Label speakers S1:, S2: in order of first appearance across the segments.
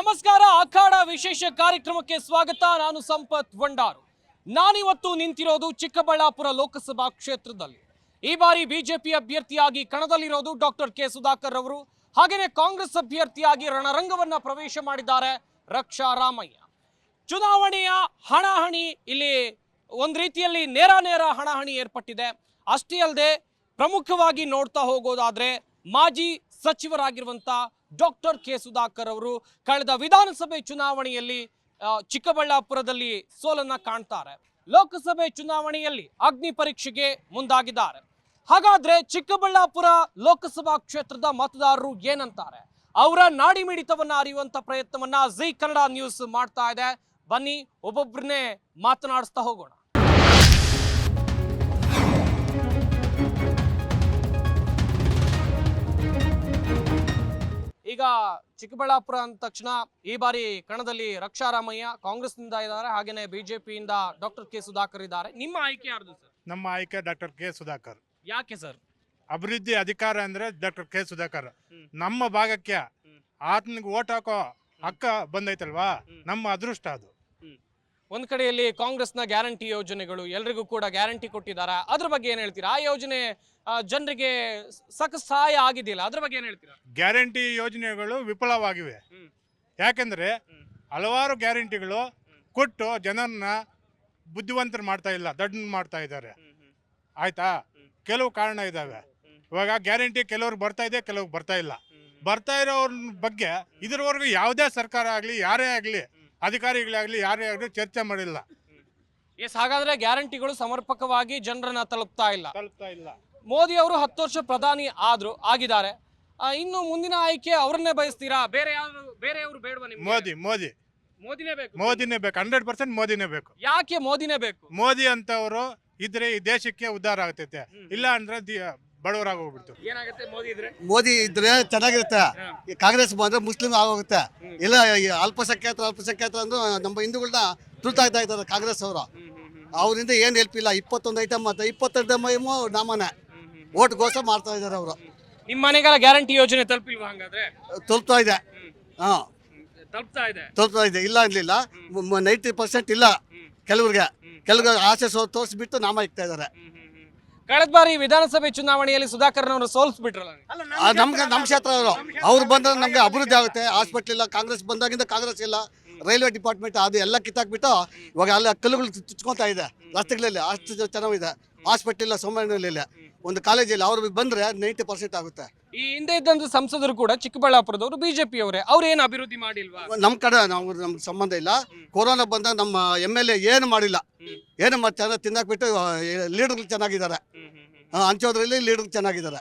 S1: ನಮಸ್ಕಾರ. ಅಖಾಡ ವಿಶೇಷ ಕಾರ್ಯಕ್ರಮಕ್ಕೆ ಸ್ವಾಗತ. ನಾನು ಸಂಪತ್ ವಂಡಾರು. ನಾನಿವತ್ತು ನಿಂತಿರೋದು ಚಿಕ್ಕಬಳ್ಳಾಪುರ ಲೋಕಸಭಾ ಕ್ಷೇತ್ರದಲ್ಲಿ. ಈ ಬಾರಿ ಬಿಜೆಪಿ ಅಭ್ಯರ್ಥಿಯಾಗಿ ಕಣದಲ್ಲಿರೋದು ಡಾಕ್ಟರ್ ಕೆ ಸುಧಾಕರ್ ಅವರು. ಹಾಗೇನೆ ಕಾಂಗ್ರೆಸ್ ಅಭ್ಯರ್ಥಿಯಾಗಿ ರಣರಂಗವನ್ನ ಪ್ರವೇಶ ಮಾಡಿದ್ದಾರೆ ರಕ್ಷಾ ರಾಮಯ್ಯ. ಚುನಾವಣೆಯ ಹಣಾಹಣಿ ಇಲ್ಲಿ ಒಂದು ರೀತಿಯಲ್ಲಿ ನೇರ ಹಣಾಹಣಿ ಏರ್ಪಟ್ಟಿದೆ. ಅಷ್ಟೇ ಅಲ್ಲದೆ ಪ್ರಮುಖವಾಗಿ ನೋಡ್ತಾ ಹೋಗೋದಾದ್ರೆ ಮಾಜಿ ಸಚಿವರಾಗಿರುವಂತ ಡಾಕ್ಟರ್ ಕೆ ಸುಧಾಕರ್ ಅವರು ಕಳೆದ ವಿಧಾನಸಭೆ ಚುನಾವಣೆಯಲ್ಲಿ ಚಿಕ್ಕಬಳ್ಳಾಪುರದಲ್ಲಿ ಸೋಲನ್ನ ಕಾಣ್ತಾರೆ. ಲೋಕಸಭೆ ಚುನಾವಣೆಯಲ್ಲಿ ಅಗ್ನಿ ಪರೀಕ್ಷೆಗೆ ಮುಂದಾಗಿದ್ದಾರೆ. ಹಾಗಾದ್ರೆ ಚಿಕ್ಕಬಳ್ಳಾಪುರ ಲೋಕಸಭಾ ಕ್ಷೇತ್ರದ ಮತದಾರರು ಏನಂತಾರೆ, ಅವರ ನಾಡಿ ಮಿಡಿತವನ್ನ ಅರಿಯುವಂತ ಪ್ರಯತ್ನವನ್ನ ಜಿ ಕನ್ನಡ ನ್ಯೂಸ್ ಮಾಡ್ತಾ ಇದೆ. ಬನ್ನಿ ಒಬ್ಬೊಬ್ಬರನ್ನೇ ಮಾತನಾಡಿಸ್ತಾ ಹೋಗೋಣ. ಈಗ ಚಿಕ್ಕಬಳ್ಳಾಪುರ ಅಂದ ತಕ್ಷಣ ಈ ಬಾರಿ ಕಣದಲ್ಲಿ ರಕ್ಷಾ ರಾಮಯ್ಯ ಕಾಂಗ್ರೆಸ್ನಿಂದ ಇದ್ದಾರೆ, ಹಾಗೇನೆ ಬಿಜೆಪಿಯಿಂದ ಡಾಕ್ಟರ್ ಕೆ ಸುಧಾಕರ್ ಇದ್ದಾರೆ. ನಿಮ್ಮ ಆಯ್ಕೆ ಯಾರ್ದು ಸರ್?
S2: ನಮ್ಮ ಆಯ್ಕೆ ಡಾಕ್ಟರ್ ಕೆ ಸುಧಾಕರ್.
S1: ಯಾಕೆ ಸರ್?
S2: ಅಭಿವೃದ್ಧಿ ಅಧಿಕಾರ ಅಂದ್ರೆ ಡಾಕ್ಟರ್ ಕೆ ಸುಧಾಕರ್. ನಮ್ಮ ಭಾಗಕ್ಕೆ ಆತನಿಗೆ ಓಟ್ ಹಾಕೋ ಹಕ್ಕ ಬಂದೈತಲ್ವಾ, ನಮ್ಮ ಅದೃಷ್ಟ ಅದು.
S1: ಒಂದ್ ಕಡೆಯಲ್ಲಿ ಕಾಂಗ್ರೆಸ್ನ ಗ್ಯಾರಂಟಿ ಯೋಜನೆಗಳು ಎಲ್ರಿಗೂ ಕೂಡ ಗ್ಯಾರಂಟಿ ಕೊಟ್ಟಿದ್ದಾರೆ, ಅದ್ರ ಬಗ್ಗೆ ಏನ್ ಹೇಳ್ತೀರಾ? ಆ ಯೋಜನೆ ಜನರಿಗೆ ಸಾಕಷ್ಟು ಸಹಾಯ ಆಗಿದೆಯಲ್ಲ, ಅದ್ರ ಬಗ್ಗೆ ಏನ್ ಹೇಳ್ತೀರಾ?
S2: ಗ್ಯಾರಂಟಿ ಯೋಜನೆಗಳು ವಿಫಲವಾಗಿವೆ. ಯಾಕೆಂದ್ರೆ ಹಲವಾರು ಗ್ಯಾರಂಟಿಗಳು ಕೊಟ್ಟು ಜನರನ್ನ ಬುದ್ಧಿವಂತರು ಮಾಡ್ತಾ ಇಲ್ಲ, ದಡ್ಡ ಮಾಡ್ತಾ ಇದ್ದಾರೆ. ಆಯ್ತಾ, ಕೆಲವು ಕಾರಣ ಇದಾವೆ. ಇವಾಗ ಗ್ಯಾರಂಟಿ ಕೆಲವ್ರಿಗೆ ಬರ್ತಾ ಇದೆ, ಕೆಲವ್ರಿಗೆ ಬರ್ತಾ ಇಲ್ಲ. ಬರ್ತಾ ಇರೋರ ಬಗ್ಗೆ ಇದ್ರವರೆಗೂ ಯಾವುದೇ ಸರ್ಕಾರ ಆಗಲಿ, ಯಾರೇ ಆಗಲಿ, ಅಧಿಕಾರಿಗಳಾಗಲಿ, ಯಾರೇ ಆಗಲಿ ಚರ್ಚೆ ಮಾಡಿಲ್ಲ.
S1: ಎಸ್, ಹಾಗಾದ್ರೆ ಗ್ಯಾರಂಟಿಗಳು ಸಮರ್ಪಕವಾಗಿ ಜನರನ್ನ ತಲುಪ್ತಾ ಇಲ್ಲ. ಮೋದಿ ಅವರು 10 ವರ್ಷ ಪ್ರಧಾನಿ ಆಗಿದ್ದಾರೆ. ಇನ್ನು ಮುಂದಿನ ಆಯ್ಕೆ ಅವ್ರನ್ನೇ ಬಯಸ್ತೀರಾ? ಬೇರೆಯವರು ಬೇಡವಾ ನಿಮ್ಗೆ? ಮೋದಿನೇ ಬೇಕು. 100% ಮೋದಿನೇ ಬೇಕು. ಯಾಕೆ ಮೋದಿನೇ ಬೇಕು?
S2: ಮೋದಿ ಅಂತವರು ಇದ್ರೆ ಈ ದೇಶಕ್ಕೆ ಉದ್ಧಾರ ಆಗ್ತೈತೆ, ಇಲ್ಲ ಅಂದ್ರೆ ಬಡವರಾಗ ಹೋಗ್ಬಿಡ್ತು.
S1: ಏನಾಗುತ್ತೆ
S3: ಮೋದಿ ಇದ್ರೆ ಚೆನ್ನಾಗಿರುತ್ತೆ. ಕಾಂಗ್ರೆಸ್ ಬಂದ್ರೆ ಮುಸ್ಲಿಂ ಆಗೋಗುತ್ತೆ. ಇಲ್ಲ ಅಲ್ಪಸಂಖ್ಯಾತರು ಅಂದ್ರೆ ನಮ್ಮ ಹಿಂದೂಗಳನ್ನ ತುರ್ತಾಗ್ತಾ ಇದ್ದಾರೆ ಕಾಂಗ್ರೆಸ್ ಅವರು. ಅವರಿಂದ ಏನು ಹೆಲ್ಪ್ ಇಲ್ಲ. 21 ಐಟಮ್ ಮತ್ತೆ 22 ನಾಮನೆ ಓಟ್ಗೋಸ್ಕರ ಮಾಡ್ತಾ ಇದ್ದಾರೆ ಅವರು.
S1: ನಿಮ್ಮ ಮನೆಗೆಲ್ಲ ಗ್ಯಾರಂಟಿ ಯೋಜನೆ ತಲುಪಿಲ್ವಾ? ಹಂಗಾದ್ರೆ
S3: ತಲುಪ್ತಾ ಇದೆ. ತಲುಪ್ತಾ ಇದೆ, ಇಲ್ಲ ಅನ್ಲಿಲ್ಲ. 90% ಇಲ್ಲ. ಕೆಲವ್ರಿಗೆ ಆಸೆ ತೋರಿಸ್ಬಿಟ್ಟು ನಾಮ ಇಕ್ತಾ ಇದ್ದಾರೆ.
S1: ಕಳೆದ ಬಾರಿ ವಿಧಾನಸಭೆ ಚುನಾವಣೆಯಲ್ಲಿ ಸುಧಾಕರ್ನವರು ಸೋಲಿಸ್ಬಿಟ್ರಲ್ಲ.
S3: ನಮ್ಮ ಕ್ಷೇತ್ರ ಅವ್ರು ಬಂದ್ರೆ ನಮ್ಗೆ ಅಭಿವೃದ್ಧಿ ಆಗುತ್ತೆ. ಹಾಸ್ಪಿಟ್ಲ್ ಇಲ್ಲ, ಕಾಂಗ್ರೆಸ್ ಬಂದಾಗಿಂದ ಕಾಂಗ್ರೆಸ್ ಇಲ್ಲ. ರೈಲ್ವೆ ಡಿಪಾರ್ಟ್ಮೆಂಟ್ ಅದು ಎಲ್ಲ ಕಿತ್ತಾಕ್ಬಿಟ್ಟು ಇವಾಗ ಅಲ್ಲಿ ಕಲ್ಲುಗಳು ಚುಚ್ಕೊತಾ ಇದೆ ರಸ್ತೆಗಳಲ್ಲಿ. ಅಷ್ಟು ಚೆನ್ನಾಗಿದೆ. ಹಾಸ್ಪಿಟ್ಲ್ ಇಲ್ಲ, ಸೋಮವಾರನಲ್ಲಿ ಒಂದು ಕಾಲೇಜ್ ಇಲ್ಲ. ಅವ್ರು ಬಂದ್ರೆ 90% ಆಗುತ್ತೆ.
S1: ಈ ಹಿಂದೆ ಇದ್ದಂತ ಸಂಸದರು ಕೂಡ ಚಿಕ್ಕಬಳ್ಳಾಪುರದವರು ಬಿಜೆಪಿ ಅವರೇ, ಅವ್ರು ಏನು ಅಭಿವೃದ್ಧಿ ಮಾಡಿಲ್ವಾ?
S3: ನಮ್ಮ ಕಡೆ ನಮ್ಗೆ ಸಂಬಂಧ ಇಲ್ಲ. ಕೊರೋನಾ ಬಂದಾಗ ನಮ್ಮ MLA ಏನು ಮಾಡಿಲ್ಲ. ಏನು ಚೆನ್ನಾಗಿ ತಿನ್ನಾಕ್ಬಿಟ್ಟು ಲೀಡರ್ಗಳು ಚೆನ್ನಾಗಿದ್ದಾರೆ. ಹಂಚೋದ್ರಲ್ಲಿ ಲೀಡರ್ ಚೆನ್ನಾಗಿದ್ದಾರೆ.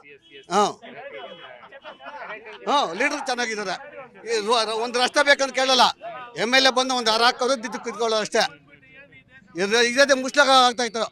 S3: ಲೀಡರ್ ಚೆನ್ನಾಗಿದ್ದಾರೆ. ಒಂದು ರಸ್ತೆ ಬೇಕಂತ ಕೇಳಲ್ಲ. MLA ಬಂದು ಒಂದು ಅರ ಹಾಕೋದು ದಿದ್ದು ಕಿತ್ಕೊಳ್ಳೋ ಅಷ್ಟೇ. ಇದೇ ಮುಸ್ಲಿಂ ಆಗ್ತಾ ಇತ್ತು.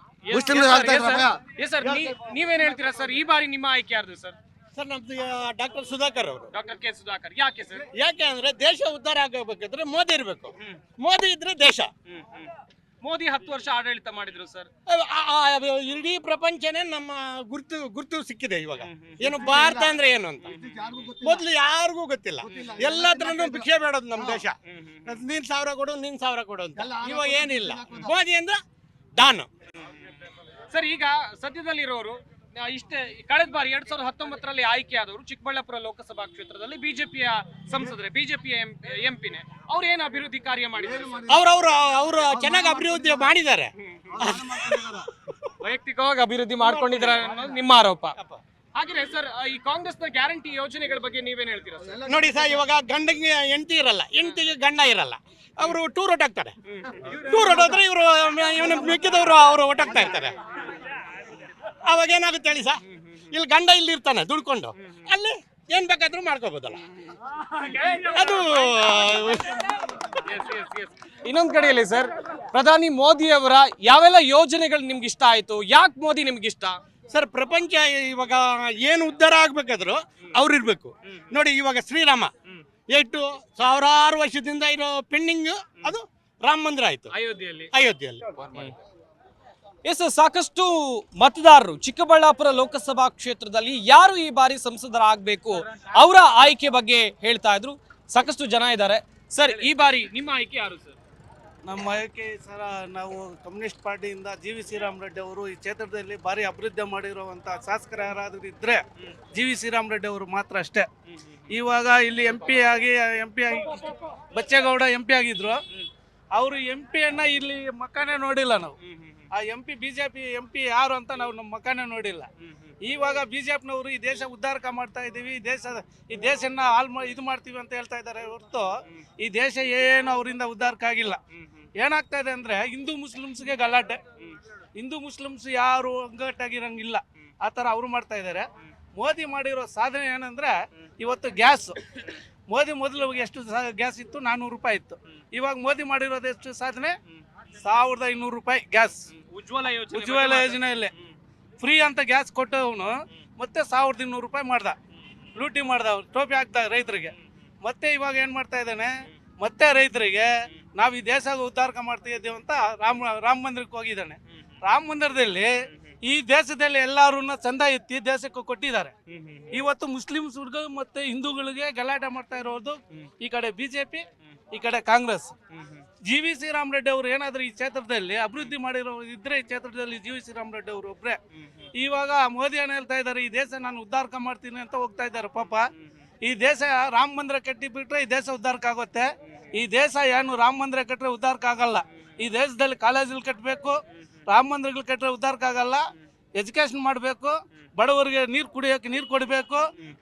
S1: ನೀವೇನ್ ಹೇಳ್ತೀರಾ ಸರ್? ಈ ಬಾರಿ ನಿಮ್ಮ ಆಯ್ಕೆ ಯಾರ್ದು ಸರ್?
S4: ಸರ್, ನಮ್ದು ಡಾಕ್ಟರ್ ಸುಧಾಕರ್ ಅವರು.
S1: Doctor K Sudhakar. ಯಾಕೆ ಸರ್?
S4: ಯಾಕೆ ಅಂದ್ರೆ ದೇಶ ಉದ್ಧಾರ ಆಗಬೇಕಿದ್ರೆ ಮೋದಿ ಇರಬೇಕು. ಮೋದಿ ಇದ್ರೆ ದೇಶ.
S1: ಮೋದಿ 10 ವರ್ಷ ಆಡಳಿತ ಮಾಡಿದ್ರು ಸರ್.
S4: ಇಡೀ ಪ್ರಪಂಚನೇ ನಮ್ಮ ಗುರ್ತು ಸಿಕ್ಕಿದೆ ಇವಾಗ. ಏನು ಭಾರತ ಅಂದ್ರೆ ಏನು ಅಂತ ಮೊದ್ಲು ಯಾರಿಗೂ ಗೊತ್ತಿಲ್ಲ. ಎಲ್ಲತ್ರನು ಭಿಕ್ಷೆ ಬೇಡೋದು ನಮ್ಮ ದೇಶ. ನೀನ್ 1000 ಕೊಡು, ನೀನ್ 1000 ಕೊಡು ಅಂತ. ಇವಾಗ ಏನಿಲ್ಲ. ಮೋದಿ ಅಂದ್ರೆ ಡಾನ್
S1: ಸರ್. ಈಗ ಸದ್ಯದಲ್ಲಿರೋರು ಇಷ್ಟೇ. ಕಳೆದ ಬಾರಿ 2019ರಲ್ಲಿ ಆಯ್ಕೆ ಆದವರು ಚಿಕ್ಕಬಳ್ಳಾಪುರ ಲೋಕಸಭಾ ಕ್ಷೇತ್ರದಲ್ಲಿ ಬಿಜೆಪಿಯ ಸಂಸದರೇ, ಬಿಜೆಪಿಯ ಎಂಪಿನೇ. ಅವ್ರು ಏನು ಅಭಿವೃದ್ಧಿ ಕಾರ್ಯ ಮಾಡಿದ್ದಾರೆ?
S4: ಅವರು ಚೆನ್ನಾಗಿ ಅಭಿವೃದ್ಧಿ ಮಾಡಿದ್ದಾರೆ.
S1: ವೈಯಕ್ತಿಕವಾಗಿ ಅಭಿವೃದ್ಧಿ ಮಾಡ್ಕೊಂಡಿದ್ದಾರೆ ಅನ್ನೋದು ನಿಮ್ಮ ಆರೋಪ. ಹಾಗೆ ಸರ್, ಈ ಕಾಂಗ್ರೆಸ್ನ ಗ್ಯಾರಂಟಿ ಯೋಜನೆಗಳ ಬಗ್ಗೆ ನೀವೇನ್ ಹೇಳ್ತೀರಾ?
S4: ನೋಡಿ ಸರ್, ಇವಾಗ ಗಂಡಗೆ ಹೆಂಡತಿ ಇರಲ್ಲ, ಹೆಂಡತಿಗೆ ಗಂಡ ಇರಲ್ಲ. ಅವರು ಟೂರ್ ಹೊಟ್ಟಾಗ್ತಾರೆ. ಟೂರ್ ಹೊಟ್ಟೋದ್ರೆ ಇವನು ಮಿಕ್ಕಿದವರು ಅವರು ಹೊಟ್ಟಾಗ್ತಾ ಇರ್ತಾರೆ. ಅವಾಗ ಏನಾಗುತ್ತೆ ಹೇಳಿ ಸರ್? ಇಲ್ಲಿ ಗಂಡ ಇಲ್ಲಿ ಇರ್ತಾನೆ ದುಡ್ಕೊಂಡು, ಅಲ್ಲಿ ಏನ್ ಬೇಕಾದ್ರೂ ಮಾಡ್ಕೋಬಹುದಲ್ಲ. ಅದು
S1: ಇನ್ನೊಂದ್ ಕಡೆಯಲ್ಲಿ ಸರ್, ಪ್ರಧಾನಿ ಮೋದಿ ಅವರ ಯಾವೆಲ್ಲ ಯೋಜನೆಗಳು ನಿಮ್ಗೆ ಇಷ್ಟ ಆಯ್ತು? ಯಾಕೆ ಮೋದಿ ನಿಮ್ಗೆ ಇಷ್ಟ?
S4: ಸರ್, ಪ್ರಪಂಚ ಇವಾಗ ಏನು ಉದ್ಧಾರ ಆಗ್ಬೇಕಾದ್ರು ಅವ್ರು ಇರ್ಬೇಕು. ನೋಡಿ, ಇವಾಗ ಶ್ರೀರಾಮ ಎಷ್ಟು ಸಾವಿರಾರು ವರ್ಷದಿಂದ ಇರೋ ಪೆಂಡಿಂಗ್, ಅದು ರಾಮ ಮಂದಿರ ಆಯ್ತು ಅಯೋಧ್ಯೆಯಲ್ಲಿ.
S1: ಎಸ್, ಸಾಕಷ್ಟು ಮತದಾರರು ಚಿಕ್ಕಬಳ್ಳಾಪುರ ಲೋಕಸಭಾ ಕ್ಷೇತ್ರದಲ್ಲಿ ಯಾರು ಈ ಬಾರಿ ಸಂಸದರಾಗಬೇಕು ಅವರ ಆಯ್ಕೆ ಬಗ್ಗೆ ಹೇಳ್ತಾ ಇದ್ರು. ಸಾಕಷ್ಟು ಜನ ಇದ್ದಾರೆ. ಸರ್, ಈ ಬಾರಿ ನಿಮ್ಮ ಆಯ್ಕೆ ಯಾರು ಸರ್?
S5: ನಮ್ಮ ಆಯ್ಕೆ ಸರ ನಾವು ಕಮ್ಯುನಿಸ್ಟ್ ಪಾರ್ಟಿಯಿಂದ GV ಶ್ರೀರಾಮ್ ರೆಡ್ಡಿ ಅವರು ಈ ಕ್ಷೇತ್ರದಲ್ಲಿ ಭಾರಿ ಅಭಿವೃದ್ಧಿ ಮಾಡಿರುವಂಥ ಶಾಸಕರು ಯಾರಾದರೂ ಇದ್ದರೆ GV ಶ್ರೀರಾಮ್ ರೆಡ್ಡಿ ಅವರು ಮಾತ್ರ ಅಷ್ಟೇ. ಇವಾಗ ಇಲ್ಲಿ MP ಆಗಿ ಬಚ್ಚೇಗೌಡ MP ಆಗಿದ್ರು. ಅವರು MP ಇಲ್ಲಿ ಮಕ್ಕನೇ ನೋಡಿಲ್ಲ ನಾವು. ಆ MP BJP MP ಯಾರು ಅಂತ ನಾವು ನಮ್ಮ ಮಕ್ಕನೇ ನೋಡಿಲ್ಲ. ಇವಾಗ BJPನವರು ಈ ದೇಶ ಉದ್ಧಾರಕ ಮಾಡ್ತಾ ಇದ್ದೀವಿ, ಈ ದೇಶನ ಇದು ಮಾಡ್ತೀವಿ ಅಂತ ಹೇಳ್ತಾ ಇದ್ದಾರೆ ಹೊರತು ಈ ದೇಶ ಏನು ಅವರಿಂದ ಉದ್ಧಾರಕ ಆಗಿಲ್ಲ. ಏನಾಗ್ತಾ ಇದೆ ಅಂದರೆ ಹಿಂದೂ ಮುಸ್ಲಿಮ್ಸ್ಗೆ ಗಲಾಟೆ. ಹಿಂದೂ ಮುಸ್ಲಿಮ್ಸ್ ಯಾರು ಒಗ್ಗಟ್ಟಾಗಿರಂಗಿಲ್ಲ, ಆ ಥರ ಅವರು ಮಾಡ್ತಾ ಇದ್ದಾರೆ. ಮೋದಿ ಮಾಡಿರೋ ಸಾಧನೆ ಏನಂದರೆ ಇವತ್ತು ಗ್ಯಾಸ್. ಮೋದಿ ಮೊದಲು ಎಷ್ಟು ಗ್ಯಾಸ್ ಇತ್ತು? 400 ರೂಪಾಯಿ ಇತ್ತು. ಇವಾಗ ಮೋದಿ ಮಾಡಿರೋದು ಎಷ್ಟು ಸಾಧನೆ? 1500 ರೂಪಾಯಿ ಗ್ಯಾಸ್. ಉಜ್ವಲ ಯೋಜನೆಯಲ್ಲೇ ಫ್ರೀ ಅಂತ ಗ್ಯಾಸ್ ಕೊಟ್ಟವನು ಮತ್ತೆ 1200 ರೂಪಾಯಿ ಮಾಡ್ದ, ಲೂಟಿ ಮಾಡ್ದ, ಟೋಪಿ ಹಾಕ್ದ ರೈತರಿಗೆ. ಮತ್ತೆ ಇವಾಗ ಏನು ಮಾಡ್ತಾ ಇದ್ದಾನೆ? ಮತ್ತೆ ರೈತರಿಗೆ ನಾವು ಈ ದೇಶ ಉದ್ಧಾರಕ ಮಾಡ್ತಾ ಇದ್ದೇವೆ ಅಂತ ರಾಮ ಮಂದಿರಕ್ಕೆ ಹೋಗಿದ್ದಾನೆ. ರಾಮ ಮಂದಿರದಲ್ಲಿ ಈ ದೇಶದಲ್ಲಿ ಎಲ್ಲರೂ ಚಂದ ಎತ್ತಿ ದೇಶಕ್ಕೆ ಕೊಟ್ಟಿದ್ದಾರೆ. ಇವತ್ತು ಮುಸ್ಲಿಮ್ಸ್ಗಳು ಮತ್ತೆ ಹಿಂದೂಗಳಿಗೆ ಗಲಾಟೆ ಮಾಡ್ತಾ ಇರೋದು ಈ ಕಡೆ BJP, ಈ ಕಡೆ ಕಾಂಗ್ರೆಸ್. GV ಶ್ರೀರಾಮ್ ರೆಡ್ಡಿ ಅವರು ಏನಾದರೂ ಈ ಕ್ಷೇತ್ರದಲ್ಲಿ ಅಭಿವೃದ್ಧಿ ಮಾಡಿರೋ ಇದ್ರೆ ಈ ಕ್ಷೇತ್ರದಲ್ಲಿ GV ಶ್ರೀರಾಮ್ ರೆಡ್ಡಿ ಅವರು ಒಬ್ಬರೇ. ಇವಾಗ ಮೋದಿ ಏನು ಹೇಳ್ತಾ ಇದ್ದಾರೆ? ಈ ದೇಶ ನಾನು ಉದ್ಧಾರಕ ಮಾಡ್ತೀನಿ ಅಂತ ಹೋಗ್ತಾ ಇದ್ದಾರೆ. ಪಾಪ ಈ ದೇಶ ರಾಮ ಮಂದಿರ ಕಟ್ಟಿಬಿಟ್ರೆ ಈ ದೇಶ ಉದ್ಧಾರಕ ಆಗುತ್ತೆ. ಈ ದೇಶ ಏನು ರಾಮ ಮಂದಿರ ಕಟ್ಟರೆ ಉದ್ಧಾರಕ ಆಗಲ್ಲ. ಈ ದೇಶದಲ್ಲಿ ಕಾಲೇಜಲ್ಲಿ ಕಟ್ಟಬೇಕು, ರಾಮ ಮಂದಿರಗಳು ಕಟ್ಟರೆ ಉದ್ಧಾರಕ ಆಗಲ್ಲ. ಎಜುಕೇಷನ್ ಮಾಡಬೇಕು, ಬಡವರಿಗೆ ನೀರು ಕುಡಿಯೋಕೆ ನೀರು ಕೊಡಬೇಕು,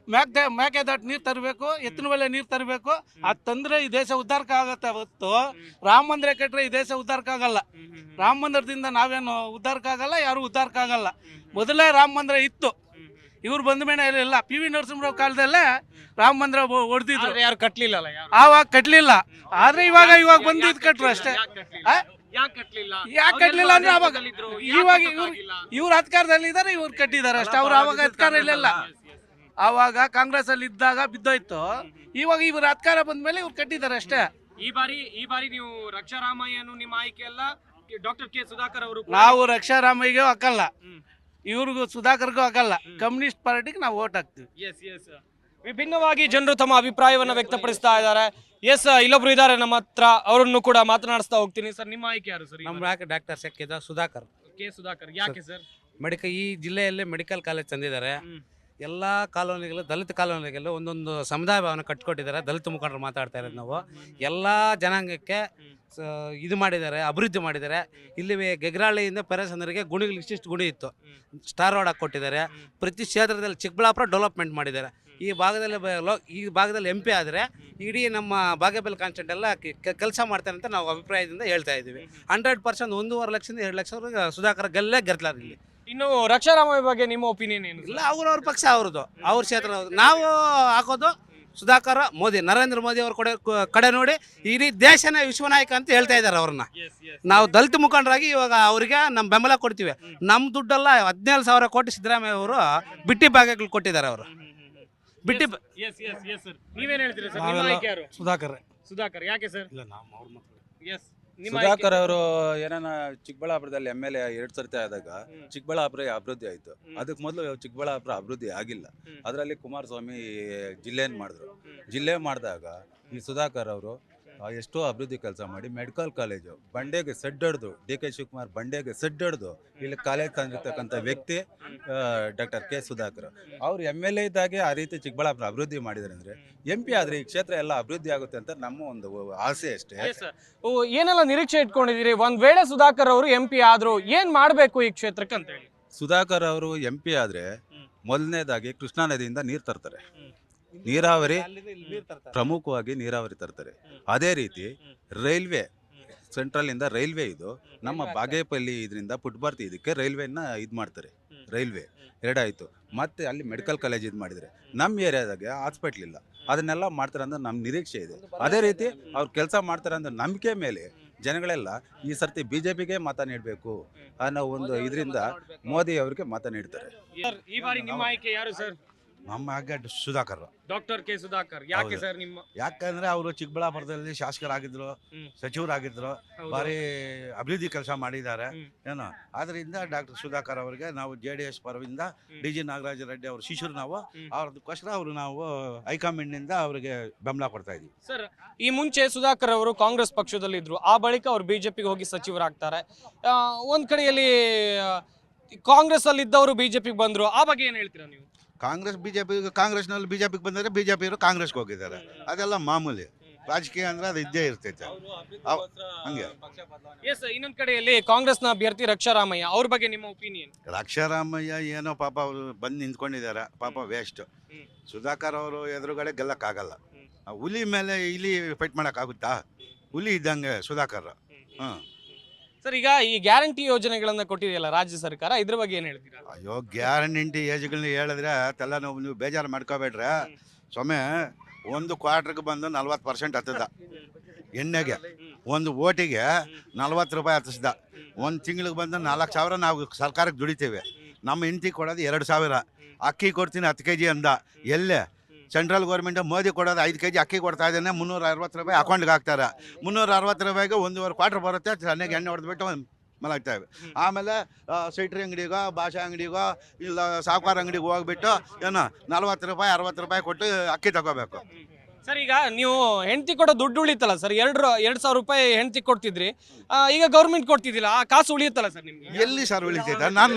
S5: ಮೇಕೆದಾಟು ನೀರು ತರಬೇಕು, ಎತ್ತಿನ ಮೇಲೆ ನೀರು ತರಬೇಕು. ಅದು ತಂದರೆ ಈ ದೇಶ ಉದ್ಧಾರಕ ಆಗುತ್ತೆ ಹೊತ್ತು ರಾಮ ಮಂದಿರ ಕಟ್ಟರೆ ಈ ದೇಶ ಉದ್ಧಾರಕ ಆಗಲ್ಲ. ರಾಮ ಮಂದಿರದಿಂದ ನಾವೇನು ಉದ್ಧಾರಕ ಆಗಲ್ಲ, ಯಾರು ಉದ್ಧಾರಕ ಆಗಲ್ಲ. ಮೊದಲೇ ರಾಮ ಮಂದಿರ ಇತ್ತು, ಇವ್ರು ಬಂದ ಮೇಲೆ ಇಲ್ಲ. PV ನರಸಿಂಹರಾವ್ ಕಾಲದಲ್ಲೇ ರಾಮ ಮಂದಿರ ಹೊಡೆದಿದ್ರು,
S1: ಯಾರು ಕಟ್ಲಿಲ್ಲ.
S5: ಆವಾಗ ಕಟ್ಲಿಲ್ಲ. ಆದ್ರೆ ಇವಾಗ ಬಂದಿದ್ದು ಕಟ್ರು ಅಷ್ಟೇ. ಯಾಕೆ ಕಟ್ಲಿಲ್ಲ ಅಂದ್ರೆ ಅವಾಗ ಇವಾಗ ಇವ್ರ ಅಧಿಕಾರದಲ್ಲಿ ಇದ್ದಾರೆ, ಇವ್ರು ಕಟ್ಟಿದ್ದಾರೆ ಅಷ್ಟೇ. ಅವ್ರು ಅವಾಗ ಅಧಿಕಾರ ಇಲ್ಲ. ಆವಾಗ ಕಾಂಗ್ರೆಸ್ ಅಲ್ಲಿ ಇದ್ದಾಗ ಬಿದ್ದೋಯ್ತು. ಇವಾಗ ಇವ್ರ ಅಧಿಕಾರ ಬಂದ್ಮೇಲೆ ಇವ್ರು ಕಟ್ಟಿದ್ದಾರೆ ಅಷ್ಟೇ.
S1: ಈ ಬಾರಿ ನೀವು ರಕ್ಷಾರಾಮಯ್ಯನು ನಿಮ್ಮ ಆಯ್ಕೆ ಅಲ್ಲ, ಡಾಕ್ಟರ್ K ಸುಧಾಕರ್ ಅವರು.
S5: ನಾವು ರಕ್ಷಾರಾಮಯ್ಯಗೂ ಹಾಕಲ್ಲ, ಇವ್ರಿಗೂ ಸುಧಾಕರ್ಗೂ ಹಾಕಲ್ಲ. ಕಮ್ಯುನಿಸ್ಟ್ ಪಾರ್ಟಿಗೆ ನಾವು ಓಟ್ ಹಾಕ್ತೀವಿ.
S1: ವಿಭಿನ್ನವಾಗಿ ಜನರು ತಮ್ಮ ಅಭಿಪ್ರಾಯವನ್ನ ವ್ಯಕ್ತಪಡಿಸ್ತಾ ಇದ್ದಾರೆ. ಇಲ್ಲೊಬ್ರು ಇದ್ದಾರೆ ನಮ್ಮ ಹತ್ರ, ಅವರನ್ನು ಕೂಡ ಮಾತನಾಡಿಸ್ತಾ ಹೋಗ್ತೀನಿ. ಸರ್, ನಿಮ್ಮ ಆಯ್ಕೆ ಯಾರು ಸರ್?
S6: ನಮ್ಮ ಡಾಕ್ಟರ್ ಸುಧಾಕರ್.
S1: K ಸುಧಾಕರ್. ಯಾಕೆ ಸರ್?
S6: ಈ ಜಿಲ್ಲೆಯಲ್ಲಿ ಮೆಡಿಕಲ್ ಕಾಲೇಜ್ ತಂದಿದ್ದಾರೆ. ಎಲ್ಲ ಕಾಲೋನಿಗಳು, ದಲಿತ ಕಾಲೋನಿಗೆಲ್ಲ ಒಂದೊಂದು ಸಮುದಾಯ ಭವನ ಕಟ್ಕೊಟ್ಟಿದ್ದಾರೆ. ದಲಿತ ಮುಖಂಡರು ಮಾತಾಡ್ತಾ ಇರೋದು ನಾವು. ಎಲ್ಲ ಜನಾಂಗಕ್ಕೆ ಇದು ಮಾಡಿದ್ದಾರೆ, ಅಭಿವೃದ್ಧಿ ಮಾಡಿದ್ದಾರೆ. ಇಲ್ಲಿ ಗೆಗ್ರಾಳಿಯಿಂದ ಪೆರಸಂದ್ರಿಗೆ ಗುಣಿಗಳು ಇಷ್ಟಿಷ್ಟು ಗುಣಿ ಇತ್ತು, ಸ್ಟಾರ್ ರೋಡ್ ಹಾಕಿ ಕೊಟ್ಟಿದ್ದಾರೆ. ಪ್ರತಿ ಕ್ಷೇತ್ರದಲ್ಲಿ ಚಿಕ್ಕಬಳ್ಳಾಪುರ ಡೆವಲಪ್ಮೆಂಟ್ ಮಾಡಿದ್ದಾರೆ. ಈ ಭಾಗದಲ್ಲಿ MP ಆದರೆ ಇಡೀ ನಮ್ಮ ಬಾಗೇಪಲ್ಲಿ ಕಾನ್ಸ್ಟೆಂಟ್ ಎಲ್ಲ ಕೆಲಸ ಮಾಡ್ತಾರೆ ಅಂತ ನಾವು ಅಭಿಪ್ರಾಯದಿಂದ ಹೇಳ್ತಾ ಇದ್ದೀವಿ. 100% 1.5 ಲಕ್ಷದಿಂದ 2 ಲಕ್ಷ ಸುಧಾಕರ್ ಗೆಲ್ಲಾರ ಇಲ್ಲಿ.
S1: ಇನ್ನು ರಕ್ಷಾರಾಮಯ್ಯ ಬಗ್ಗೆ ನಿಮ್ಮ ಒಪಿನಿಯನ್ ಏನು?
S6: ಇಲ್ಲ, ಅವ್ರವ್ರ ಪಕ್ಷ ಅವ್ರದ್ದು, ಅವ್ರ ಕ್ಷೇತ್ರ. ನಾವು ಹಾಕೋದು ಸುಧಾಕರ್, ಮೋದಿ, ನರೇಂದ್ರ ಮೋದಿ ಅವ್ರ ಕಡೆ ನೋಡಿ ಇಡೀ ದೇಶನೇ ವಿಶ್ವನಾಯಕ ಅಂತ ಹೇಳ್ತಾ ಇದ್ದಾರೆ ಅವ್ರನ್ನ. ನಾವು ದಲಿತ ಮುಖಂಡರಾಗಿ ಇವಾಗ ಅವರಿಗೆ ನಮ್ಮ ಬೆಂಬಲ ಕೊಡ್ತೀವಿ. ನಮ್ಮ ದುಡ್ಡೆಲ್ಲ 17,000 ಕೋಟಿ ಸಿದ್ದರಾಮಯ್ಯ ಅವರು ಬಿಟ್ಟಿ ಭಾಗಗಳು ಕೊಟ್ಟಿದ್ದಾರೆ. ಅವರು ಬಿಟ್ಟಿ.
S1: ನೀವೇನ್ ಹೇಳ್ತೀರಾ ಸರ್? ನಿಮ್ಮ ಆಯ್ಕೆ ಯಾರು? ಸುಧಾಕರ್. ಯಾಕೆ ಸರ್?
S7: ಸುಧಾಕರ್ ಅವರು ಏನಾನ ಚಿಕ್ಕಬಳ್ಳಾಪುರದಲ್ಲಿ MLA 2 ಸರ್ತಿ ಆದಾಗ ಚಿಕ್ಕಬಳ್ಳಾಪುರ ಅಭಿವೃದ್ಧಿ ಆಯ್ತು. ಅದಕ್ಕೆ ಮೊದಲು ಚಿಕ್ಕಬಳ್ಳಾಪುರ ಅಭಿವೃದ್ಧಿ ಆಗಿಲ್ಲ. ಅದರಲ್ಲಿ ಕುಮಾರಸ್ವಾಮಿ ಜಿಲ್ಲೆ ಮಾಡಿದಾಗ ಈ ಸುಧಾಕರ್ ಅವರು ಎಷ್ಟೋ ಅಭಿವೃದ್ಧಿ ಕೆಲಸ ಮಾಡಿ ಮೆಡಿಕಲ್ ಕಾಲೇಜು ಬಂಡೆಗೆ ಸೆಡ್ ಹಿಡ್ದು, DK ಶಿವಕುಮಾರ್ ಬಂಡೆಗೆ ಸೆಡ್ ಹಿಡ್ದು ಇಲ್ಲಿ ಕಾಲೇಜ್ ತಂದಿರ್ತಕ್ಕಂಥ ವ್ಯಕ್ತಿ ಡಾಕ್ಟರ್ K ಸುಧಾಕರ್. ಅವ್ರು MLA ಇದ್ದಾಗೆ ಆ ರೀತಿ ಚಿಕ್ಕಬಳ್ಳಾಪುರ ಅಭಿವೃದ್ಧಿ ಮಾಡಿದ್ದಾರೆ ಅಂದರೆ MP ಆದರೆ ಈ ಕ್ಷೇತ್ರ ಎಲ್ಲ ಅಭಿವೃದ್ಧಿ ಆಗುತ್ತೆ ಅಂತ ನಮ್ಮ ಒಂದು ಆಸೆ ಅಷ್ಟೇ.
S1: ಏನೆಲ್ಲ ನಿರೀಕ್ಷೆ ಇಟ್ಕೊಂಡಿದ್ದೀರಿ? ಒಂದ್ ವೇಳೆ ಸುಧಾಕರ್ ಅವರು MP ಆದ್ರು ಏನ್ ಮಾಡ್ಬೇಕು ಈ ಕ್ಷೇತ್ರಕ್ಕೆ ಅಂತ ಹೇಳಿ?
S7: ಸುಧಾಕರ್ ಅವರು MP ಆದರೆ ಮೊದಲನೇದಾಗಿ ಕೃಷ್ಣಾ ನದಿಯಿಂದ ನೀರು ತರ್ತಾರೆ, ನೀರಾವರಿ ಪ್ರಮುಖವಾಗಿ ನೀರಾವರಿ ತರ್ತಾರೆ. ಅದೇ ರೀತಿ ರೈಲ್ವೆ, ಸೆಂಟ್ರಲ್ ಇಂದ ರೈಲ್ವೆ, ಇದು ನಮ್ಮ ಬಾಗೇಪಲ್ಲಿ ಇದರಿಂದ ಪುಟ್ಬರ್ತಿ ಇದಕ್ಕೆ ರೈಲ್ವೆನ ಇದು ಮಾಡ್ತಾರೆ. ರೈಲ್ವೆ 2 ಆಯಿತು. ಮತ್ತೆ ಅಲ್ಲಿ ಮೆಡಿಕಲ್ ಕಾಲೇಜ್ ಇದು ಮಾಡಿದರೆ ನಮ್ಮ ಏರಿಯಾದಾಗೆ ಹಾಸ್ಪಿಟ್ಲ್ ಇಲ್ಲ. ಅದನ್ನೆಲ್ಲ ಮಾಡ್ತಾರೆ ಅಂದ್ರೆ ನಮ್ಮ ನಿರೀಕ್ಷೆ ಇದೆ. ಅದೇ ರೀತಿ ಅವ್ರು ಕೆಲಸ ಮಾಡ್ತಾರೆ ಅಂದ್ರೆ ನಂಬಿಕೆ ಮೇಲೆ ಜನಗಳೆಲ್ಲ ಈ ಸರ್ತಿ BJPಗೆ ಮತ ನೀಡಬೇಕು ಅನ್ನೋ ಒಂದು ಇದರಿಂದ ಮೋದಿ ಅವರಿಗೆ ಮತ ನೀಡ್ತಾರೆ.
S1: ಈ ಬಾರಿ ನಿಮ್ಮ ಆಯ್ಕೆ ಯಾರು ಸರ್?
S8: ನಮ್ಮ ಹಾಗೆ ಸುಧಾಕರ್.
S1: ಡಾಕ್ಟರ್ ಕೆ ಸುಧಾಕರ್ ಯಾಕೆ
S8: ಹೌದು.
S1: ಸರ್ ನಿಮ್ಮ
S8: ಯಾಕಂದ್ರೆ ಅವರು ಚಿಕ್ಕಬಳ್ಳಾಪುರದಲ್ಲಿ ಶಾಸಕರಾಗಿದ್ರು, ಸಚಿವರಾಗಿದ್ರು,
S1: ಹೌದು.
S8: ಭಾರಿ ಅಭಿವೃದ್ಧಿ ಕೆಲಸ ಮಾಡಿದ್ದಾರೆ
S1: ಹ್ಮ್.
S8: ಏನೋ. ಆದ್ರಿಂದ ಡಾಕ್ಟರ್ ಸುಧಾಕರ್ ಅವರಿಗೆ ನಾವು JDS ಪರದಿಂದ DG ನಾಗರಾಜ ರೆಡ್ಡಿ ಅವ್ರ ಶಿಷ್ಯರು ನಾವು, ಅವ್ರದಕ್ಕೋಸ್ಕರ ಅವರು ನಾವು ಹೈಕಮಾಂಡ್ನಿಂದ ಅವರಿಗೆ ಬೆಂಬಲ ಕೊಡ್ತಾ ಇದ್ದೀವಿ.
S1: ಸರ್ ಈ ಮುಂಚೆ ಸುಧಾಕರ್ ಅವರು ಕಾಂಗ್ರೆಸ್ ಪಕ್ಷದಲ್ಲಿ ಇದ್ರು, ಆ ಬಳಿಕ ಅವರು ಬಿಜೆಪಿಗೆ ಹೋಗಿ ಸಚಿವರಾಗ್ತಾರೆ. ಒಂದ್ ಕಡೆಯಲ್ಲಿ ಕಾಂಗ್ರೆಸ್ ಅಲ್ಲಿ ಇದ್ದವರು ಬಿಜೆಪಿಗೆ ಬಂದ್ರು, ಆ ಬಗ್ಗೆ ಏನ್ ಹೇಳ್ತೀರಾ ನೀವು?
S8: ಕಾಂಗ್ರೆಸ್ನಲ್ಲಿ ಬಿಜೆಪಿಗೆ ಬಂದರೆ ಬಿಜೆಪಿಯವರು ಕಾಂಗ್ರೆಸ್ಗೆ ಹೋಗಿದ್ದಾರೆ, ಅದೆಲ್ಲ ಮಾಮೂಲಿ. ರಾಜಕೀಯ ಅಂದ್ರೆ ಅದು ಇದ್ದೇ ಇರ್ತೈತೆ ಹಂಗೆ.
S1: ಎಸ್, ಇನ್ನೊಂದ್ ಕಡೆಯಲ್ಲಿ ಕಾಂಗ್ರೆಸ್ನ ಅಭ್ಯರ್ಥಿ ರಕ್ಷಾರಾಮಯ್ಯ, ಅವ್ರ ಬಗ್ಗೆ ನಿಮ್ಮ ಒಪಿನಿಯನ್?
S8: ರಕ್ಷಾರಾಮಯ್ಯ ಏನೋ ಪಾಪ ಅವರು ಬಂದು ನಿಂತ್ಕೊಂಡಿದ್ದಾರೆ, ಪಾಪ ವೇಸ್ಟ್. ಸುಧಾಕರ್ ಅವರು ಎದುರುಗಡೆ ಗೆಲ್ಲಕ್ಕಾಗಲ್ಲ. ಹುಲಿ ಮೇಲೆ ಇಲಿ ಫೈಟ್ ಮಾಡೋಕ್ಕಾಗುತ್ತಾ? ಹುಲಿ ಇದ್ದಂಗೆ ಸುಧಾಕರ್.
S1: ಸರ್ ಈಗ ಈ ಗ್ಯಾರಂಟಿ ಯೋಜನೆಗಳನ್ನ ಕೊಟ್ಟಿದೆಯಲ್ಲ ರಾಜ್ಯ ಸರ್ಕಾರ, ಇದ್ರ ಬಗ್ಗೆ ಏನ್ ಹೇಳ್ತೀರಾ?
S8: ಅಯ್ಯೋ, ಗ್ಯಾರಂಟಿ ಏಜ್ಗಳನ್ನ ಹೇಳಿದ್ರೆ ಅದೆಲ್ಲ ನೀವು ಬೇಜಾರು ಮಾಡ್ಕೋಬೇಡ್ರೆ. ಸೊಮ್ಮೆ ಒಂದು ಕ್ವಾರ್ಟರ್ಗೆ ಬಂದು 40% ಹತ್ತದ ಎಣ್ಣೆಗೆ, ಒಂದು ಓಟಿಗೆ 40 ರೂಪಾಯಿ ಹತ್ತಿಸ್ದ. ಒಂದು ತಿಂಗಳಿಗೆ ಬಂದು 4,000 ನಾವು ಸರ್ಕಾರಕ್ಕೆ ದುಡಿತೇವೆ. ನಮ್ಮ ಹೆಂಡತಿ ಕೊಡೋದು 2,000. ಅಕ್ಕಿ ಕೊಡ್ತೀನಿ 10 kg ಅಂದ. ಎಲ್ಲೇ ಸೆಂಟ್ರಲ್ ಗೌರ್ಮೆಂಟ್ ಮೋದಿ ಕೊಡೋದು 5 kg ಅಕ್ಕಿ ಕೊಡ್ತಾ ಇದ್ದಾನೆ. 360 ರೂಪಾಯಿ ಅಕೌಂಟ್ಗೆ ಹಾಕ್ತಾರೆ. 360 ರೂಪಾಯಿಗೆ 1.25 ಕ್ವಾರ್ಟರ್ ಬರುತ್ತೆ. ಚೆನ್ನಾಗಿ ಎಣ್ಣೆ ಹೊಡೆದ್ಬಿಟ್ಟು ಮಲಗ್ತಾಯಿವೆ. ಆಮೇಲೆ ಸೈಟ್ರಿ ಅಂಗಡಿಗೋ, ಭಾಷಾ ಅಂಗಡಿಗೋ, ಇಲ್ಲ ಸಾವುಕಾರ ಅಂಗಡಿಗೆ ಹೋಗ್ಬಿಟ್ಟು ಏನೋ 40 ರೂಪಾಯಿ 60 ರೂಪಾಯಿ ಕೊಟ್ಟು ಅಕ್ಕಿ ತಗೋಬೇಕು.
S1: ಸರ್ ಈಗ ನೀವು ಹೆಂಡತಿ ಕೊಡೋ ದುಡ್ಡು ಉಳಿತಲ್ಲ ಸರ್, 2,000 ರೂಪಾಯಿ ಹೆಂಡತಿ ಕೊಡ್ತಿದ್ರಿ, ಈಗ ಗೌರ್ಮೆಂಟ್ ಕೊಡ್ತಿದ್ದಿಲ್ಲ, ಆ ಕಾಸು ಉಳಿಯುತ್ತಲ್ಲ ಸರ್ ನಿಮ್ಗೆ?
S8: ಎಲ್ಲಿ ಸರ್ ಉಳಿತೈತೆ? ನಾನು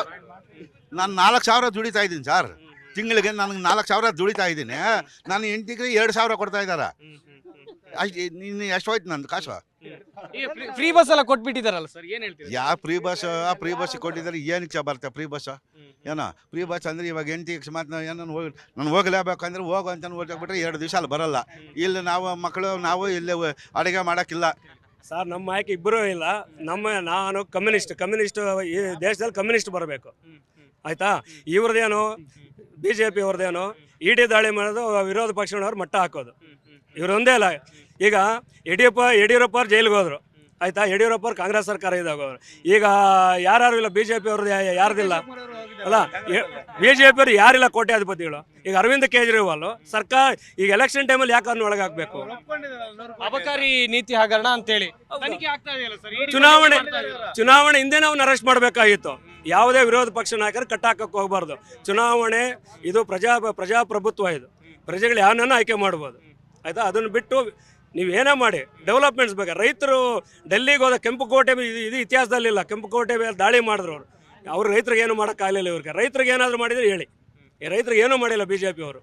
S8: 4,000 ದುಡಿತಾ ಇದ್ದೀನಿ ಸರ್. ತಿಂಗಳಿಗೆ ನನಗೆ 4,000 ದುಡಿತಾ ಇದ್ದೀನಿ. ನಾನು ಹೆಂಡತಿಗೆ 2,000 ಕೊಡ್ತಾ ಇದ್ದಾರೆ. ನೀನು ಎಷ್ಟು ಹೋಯ್ತು ನಂದು ಕಾಸು?
S1: ಫ್ರೀ ಬಸ್ ಎಲ್ಲ ಕೊಟ್ಬಿಟ್ಟಿದಾರಲ್ಲ ಸರ್, ಏನ್ ಹೇಳ್ತೀರಾ?
S8: ಯಾವ ಫ್ರೀ ಬಸ್ ಕೊಟ್ಟಿದ್ದಾರೆ? ಏನಕ್ಕೆ ಬರುತ್ತೆ ಫ್ರೀ ಬಸ್? ಏನೋ ಫ್ರೀ ಬಸ್ ಅಂದರೆ ಇವಾಗ ಹೆಂಡತಿ ಅಕಸ್ಮಾತ್ ಏನೋ ನಾನು ಹೋಗಲೇಬೇಕಂದ್ರೆ ಹೋಗು ಅಂತ ಹೋಗ್ಬಿಟ್ರೆ 2 ದಿವಸ ಅಲ್ಲಿ ಬರಲ್ಲ. ಇಲ್ಲಿ ನಾವು ಮಕ್ಕಳು ನಾವು ಇಲ್ಲಿ ಅಡುಗೆ ಮಾಡೋಕ್ಕಿಲ್ಲ
S9: ಸರ್. ನಮ್ಮ ಆಯ್ಕೆ ಇಬ್ಬರೂ ಇಲ್ಲ. ನಾನು ಕಮ್ಯುನಿಸ್ಟ್ ಈ ದೇಶದಲ್ಲಿ ಕಮ್ಯುನಿಸ್ಟ್ ಬರಬೇಕು, ಆಯ್ತಾ? ಇವ್ರದ್ದೇನು BJP ಅವ್ರದ್ದೇನು ಇಡಿ ದಾಳಿ ಮಾಡೋದು, ವಿರೋಧ ಪಕ್ಷದವ್ರು ಮಟ್ಟ ಹಾಕೋದು, ಇವ್ರೊಂದೇ ಅಲ್ಲ. ಈಗ ಯಡಿಯೂರಪ್ಪ ಅವ್ರು ಜೈಲಿಗೆ ಹೋದ್ರು, ಆಯ್ತಾ? ಯಡಿಯೂರಪ್ಪ ಅವ್ರು ಕಾಂಗ್ರೆಸ್ ಸರ್ಕಾರ ಇದಾಗೋರು. ಈಗ ಯಾರು ಇಲ್ಲ, BJP ಅವ್ರದ್ದು ಯಾರ್ದಿಲ್ಲ ಅಲ್ಲ. BJP ಅವ್ರು ಯಾರಿಲ್ಲ ಕೋಟ್ಯಾಧಿಪತಿಗಳು. ಈಗ ಅರವಿಂದ್ ಕೇಜ್ರಿವಾಲ್ ಸರ್ಕಾರ ಈಗ ಎಲೆಕ್ಷನ್ ಟೈಮಲ್ಲಿ ಯಾಕೆ ಅದನ್ನ ಒಳಗಾಗಬೇಕು?
S1: ಅಬಕಾರಿ ನೀತಿ ಹಗರಣ ಅಂತೇಳಿ
S9: ಚುನಾವಣೆ ಹಿಂದೆ ನಾವು ಅರೆಸ್ಟ್ ಮಾಡಬೇಕಾಗಿತ್ತು. ಯಾವುದೇ ವಿರೋಧ ಪಕ್ಷ ನಾಯಕರು ಕಟ್ಟಾಕಕ್ಕೆ ಹೋಗಬಾರ್ದು. ಚುನಾವಣೆ ಇದು ಪ್ರಜಾಪ್ರಭುತ್ವ, ಇದು ಪ್ರಜೆಗಳು ಯಾವನ್ನ ಆಯ್ಕೆ ಮಾಡ್ಬೋದು, ಆಯ್ತಾ? ಅದನ್ನು ಬಿಟ್ಟು ನೀವು ಏನೇ ಮಾಡಿ ಡೆವಲಪ್ಮೆಂಟ್ಸ್ ಬೇಕು. ರೈತರು ಡೆಲ್ಲಿಗೆ ಹೋದ ಕೆಂಪುಕೋಟೆ ಇದು ಇತಿಹಾಸದಲ್ಲಿಲ್ಲ. ಕೆಂಪುಕೋಟೆ ಮೇಲೆ ದಾಳಿ ಮಾಡಿದ್ರು ಅವ್ರು ರೈತರಿಗೆ ಏನು ಮಾಡೋಕ್ಕಾಗಲಿಲ್ಲ. ಇವ್ರಿಗೆ ರೈತರಿಗೆ ಏನಾದರೂ ಮಾಡಿದ್ರೆ ಹೇಳಿ. ಈ ರೈತರಿಗೆ ಏನೂ ಮಾಡಿಲ್ಲ BJP ಅವರು.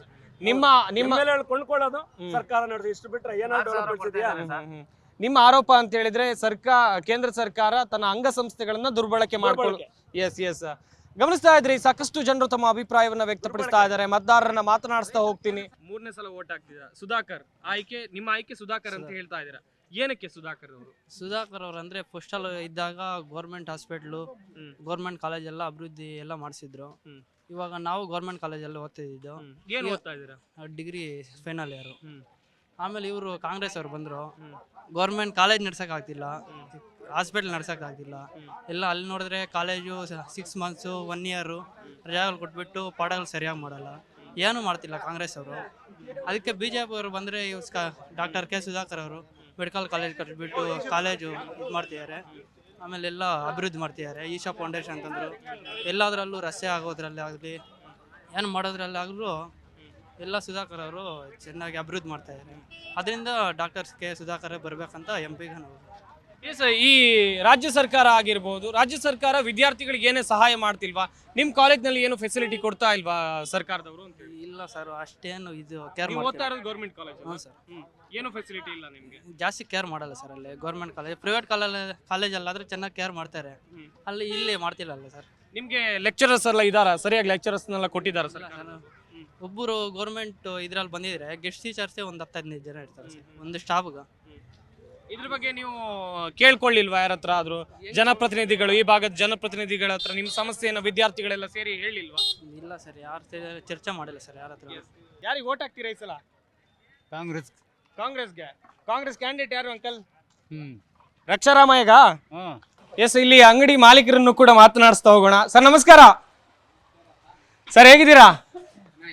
S1: ನಿಮ್ಮ
S9: ಕೊಂಡ್ಕೊಳ್ಳೋದು ಸರ್ಕಾರ ನಡೆದು, ಇಷ್ಟು ಬಿಟ್ಟರೆ ಏನಾದ್ರು ಡೆವಲಪ್ಮೆಂಟ್ಸ್ ಇದೆಯಾ?
S1: ನಿಮ್ಮ ಆರೋಪ ಅಂತ ಹೇಳಿದ್ರೆ ಕೇಂದ್ರ ಸರ್ಕಾರ ತನ್ನ ಅಂಗಸಂಸ್ಥೆಗಳನ್ನ ದುರ್ಬಳಕೆ ಮಾಡ್ಕೊಳ್ಳಿ. ಎಸ್ ಗಮನಿಸ್ತಾ ಇದ್ರಿ, ಸಾಕಷ್ಟು ಜನರು ತಮ್ಮ ಅಭಿಪ್ರಾಯವನ್ನ ವ್ಯಕ್ತಪಡಿಸ್ತಾ ಇದ್ದಾರೆ. ಮತದಾರರನ್ನ ಮಾತನಾಡಿಸ್ತಾ ಹೋಗ್ತೀನಿ. 3ನೇ ಸಲ ವೋಟ್ ಹಾಕ್ತಿದ್ದೀರಾ, ಸುಧಾಕರ್ ನಿಮ್ಮ ಆಯ್ಕೆ ಸುಧಾಕರ್ ಅಂತ ಹೇಳ್ತಾ ಇದ್ದೀರಾ, ಏನಕ್ಕೆ ಸುಧಾಕರ್ ಅವರು?
S10: ಸುಧಾಕರ್ ಅವರು ಅಂದ್ರೆ ಫಸ್ಟಲ್ ಇದ್ದಾಗ ಗೌರ್ಮೆಂಟ್ ಹಾಸ್ಪಿಟ್ಲು, ಗೌರ್ಮೆಂಟ್ ಕಾಲೇಜ್ ಎಲ್ಲ ಅಭಿವೃದ್ಧಿ ಎಲ್ಲ ಮಾಡಿಸಿದ್ರು. ಇವಾಗ ನಾವು ಗೌರ್ಮೆಂಟ್ ಕಾಲೇಜಲ್ಲಿ ಓದ್ತಿದ್ದು.
S1: ಏನು ಓದ್ತಾ ಇದ್ದೀರಾ?
S10: Degree final year. ಆಮೇಲೆ ಇವರು ಕಾಂಗ್ರೆಸ್ ಅವ್ರು ಬಂದರು, ಗೌರ್ಮೆಂಟ್ ಕಾಲೇಜ್ ನಡ್ಸೋಕ್ಕಾಗ್ತಿಲ್ಲ, ಹಾಸ್ಪಿಟ್ಲ್ ನಡ್ಸೋಕ್ಕಾಗ್ತಿಲ್ಲ. ಎಲ್ಲ ಅಲ್ಲಿ ನೋಡಿದ್ರೆ ಕಾಲೇಜು 6 ಮಂತ್ಸು 1 ಇಯರು ರಜಾಗಳು ಕೊಟ್ಬಿಟ್ಟು ಪಾಠಗಳು ಸರಿಯಾಗಿ ಮಾಡಲ್ಲ, ಏನೂ ಮಾಡ್ತಿಲ್ಲ ಕಾಂಗ್ರೆಸ್ ಅವರು. ಅದಕ್ಕೆ BJP ಅವರು ಬಂದರೆ ಡಾಕ್ಟರ್ ಕೆ ಸುಧಾಕರ್ ಅವರು ಮೆಡಿಕಲ್ ಕಾಲೇಜ್ ಕಟ್ಟಿಬಿಟ್ಟು ಕಾಲೇಜು ಇದು ಮಾಡ್ತಿದ್ದಾರೆ. ಆಮೇಲೆ ಎಲ್ಲ ಅಭಿವೃದ್ಧಿ ಮಾಡ್ತಿದ್ದಾರೆ. ಈಶಾ ಫೌಂಡೇಶನ್ ಅಂತಂದರು, ಎಲ್ಲದರಲ್ಲೂ ರಸ್ತೆ ಆಗೋದ್ರಲ್ಲಿ ಆಗಲಿ ಏನು ಮಾಡೋದ್ರಲ್ಲಾಗಲೂ ಎಲ್ಲ ಸುಧಾಕರ್ ಅವರು ಚೆನ್ನಾಗಿ ಅಭಿವೃದ್ಧಿ ಮಾಡ್ತಾ ಇದ್ದಾರೆ. ಅದರಿಂದ ಡಾಕ್ಟರ್ ಕೆ ಸುಧಾಕರ್ ಬರಬೇಕಂತ MP ಗೆ ನಾವು.
S1: ಈ ರಾಜ್ಯ ಸರ್ಕಾರ ಆಗಿರ್ಬೋದು, ರಾಜ್ಯ ಸರ್ಕಾರ ವಿದ್ಯಾರ್ಥಿಗಳಿಗೆ ಏನೇ ಸಹಾಯ ಮಾಡ್ತಿಲ್ವಾ? ನಿಮ್ಮ ಕಾಲೇಜ್ನಲ್ಲಿ ಏನು ಫೆಸಿಲಿಟಿ ಕೊಡ್ತಾ ಇಲ್ವಾ ಸರ್ಕಾರದವರು ಅಂತ?
S10: ಇಲ್ಲ ಸರ್, ಅಷ್ಟೇನು ಇದು ಕೇರ್
S1: ಓದ್ತಾ ಇರೋದು ಗೌರ್ಮೆಂಟ್ ಕಾಲೇಜ್?
S10: ಹ್ಞೂ ಸರ್.
S1: ಏನು ಫೆಸಿಲಿಟಿ ಇಲ್ಲ ನಿಮಗೆ?
S10: ಜಾಸ್ತಿ ಕೇರ್ ಮಾಡಲ್ಲ ಸರ್ ಅಲ್ಲಿ ಗೌರ್ಮೆಂಟ್ ಕಾಲೇಜ್. ಪ್ರೈವೇಟ್ ಕಾಲೇಜಲ್ಲಾದರೆ ಚೆನ್ನಾಗಿ ಕೇರ್ ಮಾಡ್ತಾರೆ, ಇಲ್ಲಿ ಮಾಡ್ತಿಲ್ಲ ಸರ್.
S1: ನಿಮಗೆ ಲೆಕ್ಚರರ್ಸ್ ಎಲ್ಲ ಇದ್ದಾರಾ? ಸರಿಯಾಗಿ ಲೆಕ್ಚರರ್ಸ್ನೆಲ್ಲ ಕೊಟ್ಟಿದ್ದಾರೆ ಸರ್?
S10: ಒಬ್ಬರು ಗೌರ್ಮೆಂಟ್ ಇದ್ರಲ್ಲಿ ಬಂದಿದ್ರೆ ಗೆಸ್ಟ್ ಟೀಚರ್ಸೇ ಒಂದು 10-15 ಜನ ಇರ್ತಾರೆ ಸರ್ ಒಂದು ಸ್ಟಾಫ್ಗೆ.
S1: ಇದ್ರ ಬಗ್ಗೆ ನೀವು ಕೇಳ್ಕೊಳ್ಳಿಲ್ವಾ ಯಾರ ಹತ್ರ ಆದ್ರೂ? ಜನಪ್ರತಿನಿಧಿಗಳು, ಈ ಭಾಗದ ಜನಪ್ರತಿನಿಧಿಗಳ ಹತ್ರ ನಿಮ್ಮ ಸಮಸ್ಯೆಯನ್ನು ವಿದ್ಯಾರ್ಥಿಗಳೆಲ್ಲ ಸೇರಿ ಹೇಳಿಲ್ವಾ?
S10: ಇಲ್ಲ ಸರ್, ಯಾರು ಚರ್ಚೆ ಮಾಡಿಲ್ಲ ಸರ್ ಯಾರ ಹತ್ರ.
S1: ಯಾರಿಗೆ ವೋಟ್ ಹಾಕ್ತೀರಾ ಈ ಸಲ? ಕಾಂಗ್ರೆಸ್ಗೆ. ಕಾಂಗ್ರೆಸ್ ಕ್ಯಾಂಡಿಡೇಟ್ ಯಾರು ಅಂಕಲ್? ರಕ್ಷಾರಾಮಯ್ಯಗ? ಎಸ್, ಇಲ್ಲಿ ಅಂಗಡಿ ಮಾಲೀಕರನ್ನು ಕೂಡ ಮಾತನಾಡಿಸ್ತಾ ಹೋಗೋಣ. ಸರ್ ನಮಸ್ಕಾರ. ಸರ್ ಹೇಗಿದ್ದೀರಾ?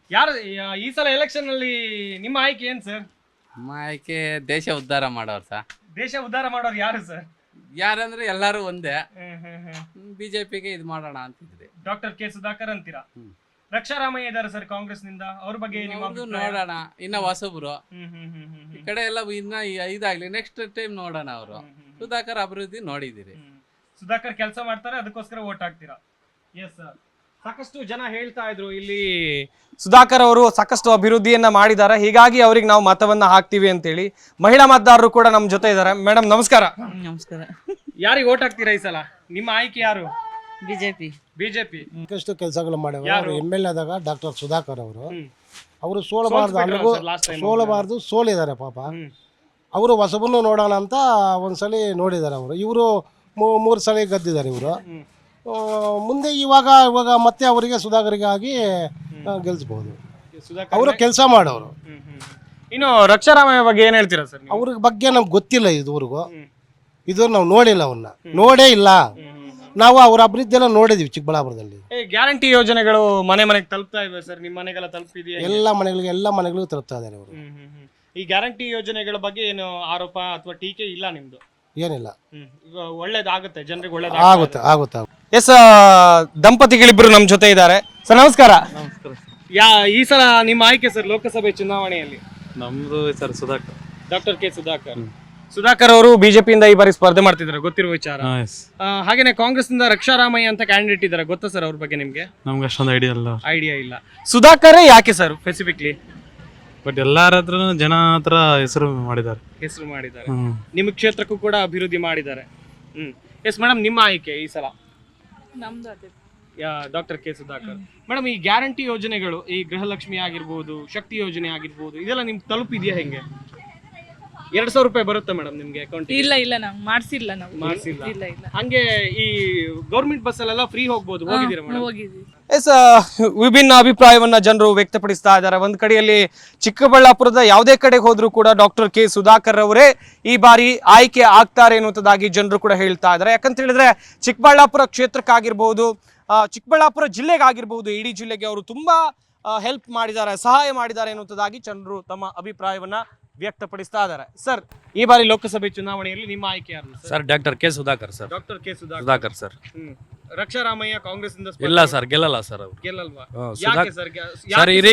S1: ಯಾರು ಈ ಸಲ ಎಲೆಕ್ಷನ್ ಅಲ್ಲಿ ನಿಮ್ಮ ಆಯ್ಕೆ ಏನ್ ಸರ್?
S6: ನಮ್ಮ ಆಯ್ಕೆ ದೇಶ ಉದ್ಧಾರ ಮಾಡೋರು ಸರ್.
S1: ದೇಶ ಉದ್ಧಾರ ಮಾಡೋರು ಯಾರು ಸರ್?
S6: ಯಾರಂದ್ರೆ ಎಲ್ಲರೂ ಒಂದೇ. ಬಿಜೆಪಿಗೆ ಇದು ಮಾಡೋಣ ಅಂತಿದ್ರಿ.
S1: ಡಾಕ್ಟರ್ ಕೆ ಸುಧಾಕರ್ ಅಂತೀರಾ? ರಕ್ಷಾರಾಮಯ್ಯ ಇದಾರೆ ಸರ್ ಕಾಂಗ್ರೆಸ್ ನಿಂದ, ಅವ್ರ ಬಗ್ಗೆ ನಿಮ್ಮ ಅಭಿಪ್ರಾಯ?
S6: ನೋಡೋಣ, ಇನ್ನ ಹೊಸಬ್ರು ಈ ಕಡೆ ಎಲ್ಲ ಇನ್ನ ಇದಾಗ್ಲಿ, ನೆಕ್ಸ್ಟ್ ಟೈಮ್ ನೋಡೋಣ. ಅವರು ಸುಧಾಕರ್ ಅಭಿವೃದ್ಧಿ ನೋಡಿದಿರಿ.
S1: ಸುಧಾಕರ್ ಕೆಲಸ ಮಾಡ್ತಾರೆ, ಅದಕ್ಕೋಸ್ಕರ ವೋಟ್ ಹಾಕ್ತೀರಾ? Yes sir. ಸಾಕಷ್ಟು ಜನ ಹೇಳ್ತಾ ಇದ್ರು ಇಲ್ಲಿ ಸುಧಾಕರ್ ಅವರು ಸಾಕಷ್ಟು ಅಭಿವೃದ್ಧಿಯನ್ನ ಮಾಡಿದ್ದಾರೆ, ಹೀಗಾಗಿ ಅವ್ರಿಗೆ ನಾವು ಮತವನ್ನ ಹಾಕ್ತಿವಿ ಅಂತೇಳಿ. ಮಹಿಳಾ ಮತದಾರರು ಕೂಡ ನಮ್ಮ ಜೊತೆ ಇದ್ದಾರೆ. ಮೇಡಮ್ ನಮಸ್ಕಾರ.
S10: ನಮಸ್ಕಾರ.
S1: ಯಾರಿಗೆ ವೋಟ್ ಹಾಕ್ತೀರಾ ಈ ಸಲ? ನಿಮ್ಮ ಆಯ್ಕೆ ಯಾರು?
S10: ಬಿಜೆಪಿ.
S1: ಬಿಜೆಪಿ
S5: ಸಾಕಷ್ಟು ಕೆಲಸಗಳು ಮಾಡಿದ್ರು.
S1: ಯಾರು?
S5: ಅವರು MLA ಆದಾಗ ಡಾಕ್ಟರ್ ಸುಧಾಕರ್ ಅವರು ಅವರು
S1: ಸೋಲ್ಸ್ಬಿಟ್ರು
S5: ಸೋಲಬಾರ್ದು ಸೋಲಿದ್ದಾರೆ ಪಾಪ. ಅವರು ಹೊಸಬನ್ನು ನೋಡೋಣ ಅಂತ ಒಂದ್ಸಲಿ ನೋಡಿದ್ದಾರೆ. ಅವರು ಇವರು 3 ಸಲ ಗೆದ್ದಿದ್ದಾರೆ ಇವರು. ಮುಂದೆ ಇವಾಗ ಮತ್ತೆ ಅವರಿಗೆ ಸುಧಾಕರಿಗೆ ಆಗಿ ಗೆಲ್ಸ್ಬೋದು. ಅವರು ಕೆಲಸ ಮಾಡೋರು.
S1: ಇನ್ನು ರಕ್ಷಾರಾಮಯ್ಯ ಬಗ್ಗೆ ಏನ್ ಹೇಳ್ತೀರಾ ಸರ್?
S5: ಅವ್ರ ಬಗ್ಗೆ ನಮ್ಗೆ ಗೊತ್ತಿಲ್ಲ ಇದುವರೆಗೂ. ಇದು ನಾವು ನೋಡಿಲ್ಲ, ಅವ್ರನ್ನ ನೋಡೇ ಇಲ್ಲ ನಾವು. ಅವ್ರ ಅಭಿವೃದ್ಧಿ ಎಲ್ಲ ನೋಡಿದೀವಿ ಚಿಕ್ಕಬಳ್ಳಾಪುರದಲ್ಲಿ.
S1: ಗ್ಯಾರಂಟಿ ಯೋಜನೆಗಳು ಮನೆ ಮನೆಗೆ ತಲುಪ್ತಾ ಇವೆ ಸರ್? ನಿಮ್ಮ ಮನೆಗೆಲ್ಲ ತಲುಪಿದೆಯಾ?
S5: ಎಲ್ಲ ಮನೆಗಳಿಗೂ ತಲುಪ್ತಾ ಇದ್ದಾರೆ ಅವರು.
S1: ಈ ಗ್ಯಾರಂಟಿ ಯೋಜನೆಗಳ ಬಗ್ಗೆ ಏನು ಆರೋಪ ಅಥವಾ ಟೀಕೆ ಇಲ್ಲ ನಿಮ್ದು?
S5: ಏನಿಲ್ಲ,
S1: ಈಗ ಒಳ್ಳೇದಾಗುತ್ತೆ, ಜನರಿಗೆ
S5: ಆಗುತ್ತೆ.
S1: ಎಸ್, ದಂಪತಿಗಳಿಬ್ರು ನಮ್ಮ ಜೊತೆ ಇದ್ದಾರೆ. ಸರ್ ನಮಸ್ಕಾರ. ಈ ಸಲ ನಿಮ್ಮ ಆಯ್ಕೆ ಸರ್ ಲೋಕಸಭೆ ಚುನಾವಣೆಯಲ್ಲಿ?
S9: ನಮ್ದು sir Sudhakar.
S1: Doctor K Sudhakar. Sudhakar ಅವರು ಬಿಜೆಪಿಯಿಂದ ಈ ಬಾರಿ ಸ್ಪರ್ಧೆ ಮಾಡ್ತಿದ್ದಾರೆ, ಗೊತ್ತಿರುವ ವಿಚಾರ. ಹಾಗೇನೆ ಕಾಂಗ್ರೆಸ್ ನಿಂದ ರಕ್ಷಾರಾಮಯ್ಯ ಅಂತ ಕ್ಯಾಂಡಿಡೇಟ್ ಇದ್ದಾರೆ, ಗೊತ್ತಾ ಸರ್ ಅವ್ರ ಬಗ್ಗೆ ನಿಮ್ಗೆ?
S9: ನಮ್ಗೆ ಅಷ್ಟೊಂದು
S1: ಐಡಿಯಾ ಇಲ್ಲ. ಸುಧಾಕರ್ ಯಾಕೆ ಸರ್ ಸ್ಪೆಸಿಫಿಕ್ಲಿ?
S9: ಬಟ್ ಎಲ್ಲಾರ ಹತ್ರ ಜನ ಹತ್ರ ಹೆಸರು ಮಾಡಿದ್ದಾರೆ.
S1: ನಿಮ್ಮ ಕ್ಷೇತ್ರಕ್ಕೂ ಕೂಡ ಅಭಿವೃದ್ಧಿ ಮಾಡಿದ್ದಾರೆ. ಎಸ್ ಮೇಡಮ್, ನಿಮ್ಮ ಆಯ್ಕೆ ಈ ಸಲ? Doctor K Sudhakar. ಮೇಡಮ್, ಈ ಗ್ಯಾರಂಟಿ ಯೋಜನೆಗಳು, ಈ ಗೃಹಲಕ್ಷ್ಮಿ ಆಗಿರ್ಬೋದು, ಶಕ್ತಿ ಯೋಜನೆ ಆಗಿರ್ಬೋದು, ಇದೆಲ್ಲ ನಿಮ್ಗೆ ತಲುಪಿದ್ಯಾ? ಹೆಂಗೆ 2,000 ರೂಪಾಯಿ ಬರುತ್ತೆ ಮೇಡಮ್ ನಿಮ್ಗೆ ಅಕೌಂಟ್?
S11: ಇಲ್ಲ ನಾವು ಮಾಡ್ಸಿಲ್ಲ.
S1: ಹಂಗೆ ಈ ಗೌರ್ಮೆಂಟ್ ಬಸ್ ಅಲ್ಲೆಲ್ಲ ಫ್ರೀ ಹೋಗ್ಬೋದು, ಹೋಗಿದ್ದೀರಾ ಮೇಡಮ್?
S11: ಹೋಗಿದ್ವಿ.
S1: ಎಸ್, ವಿಭಿನ್ನ ಅಭಿಪ್ರಾಯವನ್ನ ಜನರು ವ್ಯಕ್ತಪಡಿಸ್ತಾ ಇದ್ದಾರೆ. ಒಂದ್ ಕಡೆಯಲ್ಲಿ ಚಿಕ್ಕಬಳ್ಳಾಪುರದ ಯಾವುದೇ ಕಡೆಗೆ ಹೋದ್ರೂ ಕೂಡ ಡಾಕ್ಟರ್ ಕೆ ಸುಧಾಕರ್ ಅವರೇ ಈ ಬಾರಿ ಆಯ್ಕೆ ಆಗ್ತಾರೆ ಅನ್ನುವಂಥದ್ದಾಗಿ ಜನರು ಕೂಡ ಹೇಳ್ತಾ ಇದ್ದಾರೆ. ಯಾಕಂತ ಹೇಳಿದ್ರೆ ಚಿಕ್ಕಬಳ್ಳಾಪುರ ಕ್ಷೇತ್ರಕ್ಕಾಗಿರ್ಬಹುದು, ಚಿಕ್ಕಬಳ್ಳಾಪುರ ಜಿಲ್ಲೆಗಾಗಿರ್ಬಹುದು, ಇಡೀ ಜಿಲ್ಲೆಗೆ ಅವರು ತುಂಬಾ ಹೆಲ್ಪ್ ಮಾಡಿದ್ದಾರೆ, ಸಹಾಯ ಮಾಡಿದ್ದಾರೆ ಅನ್ನುವಂಥದ್ದಾಗಿ ಜನರು ತಮ್ಮ ಅಭಿಪ್ರಾಯವನ್ನ ವ್ಯಕ್ತಪಡಿಸ್ತಾ ಇದ್ದಾರೆ. ಸರ್, ಈ ಬಾರಿ ಲೋಕಸಭೆ ಚುನಾವಣೆಯಲ್ಲಿ ನಿಮ್ಮ ಆಯ್ಕೆ ಯಾರು
S6: sir? Doctor K Sudhakar sir.
S1: Doctor K
S6: Sudhakar sir.
S1: Raksha Ramaiah Congress ಇಂದ
S6: ಇಲ್ಲ ಸರ್, ಗೆಲ್ಲಲ್ಲ ಸರ್. ಅವರು
S1: ಗೆಲ್ಲಲ್ವಾ?
S6: ಸರ್ ಇಡೀ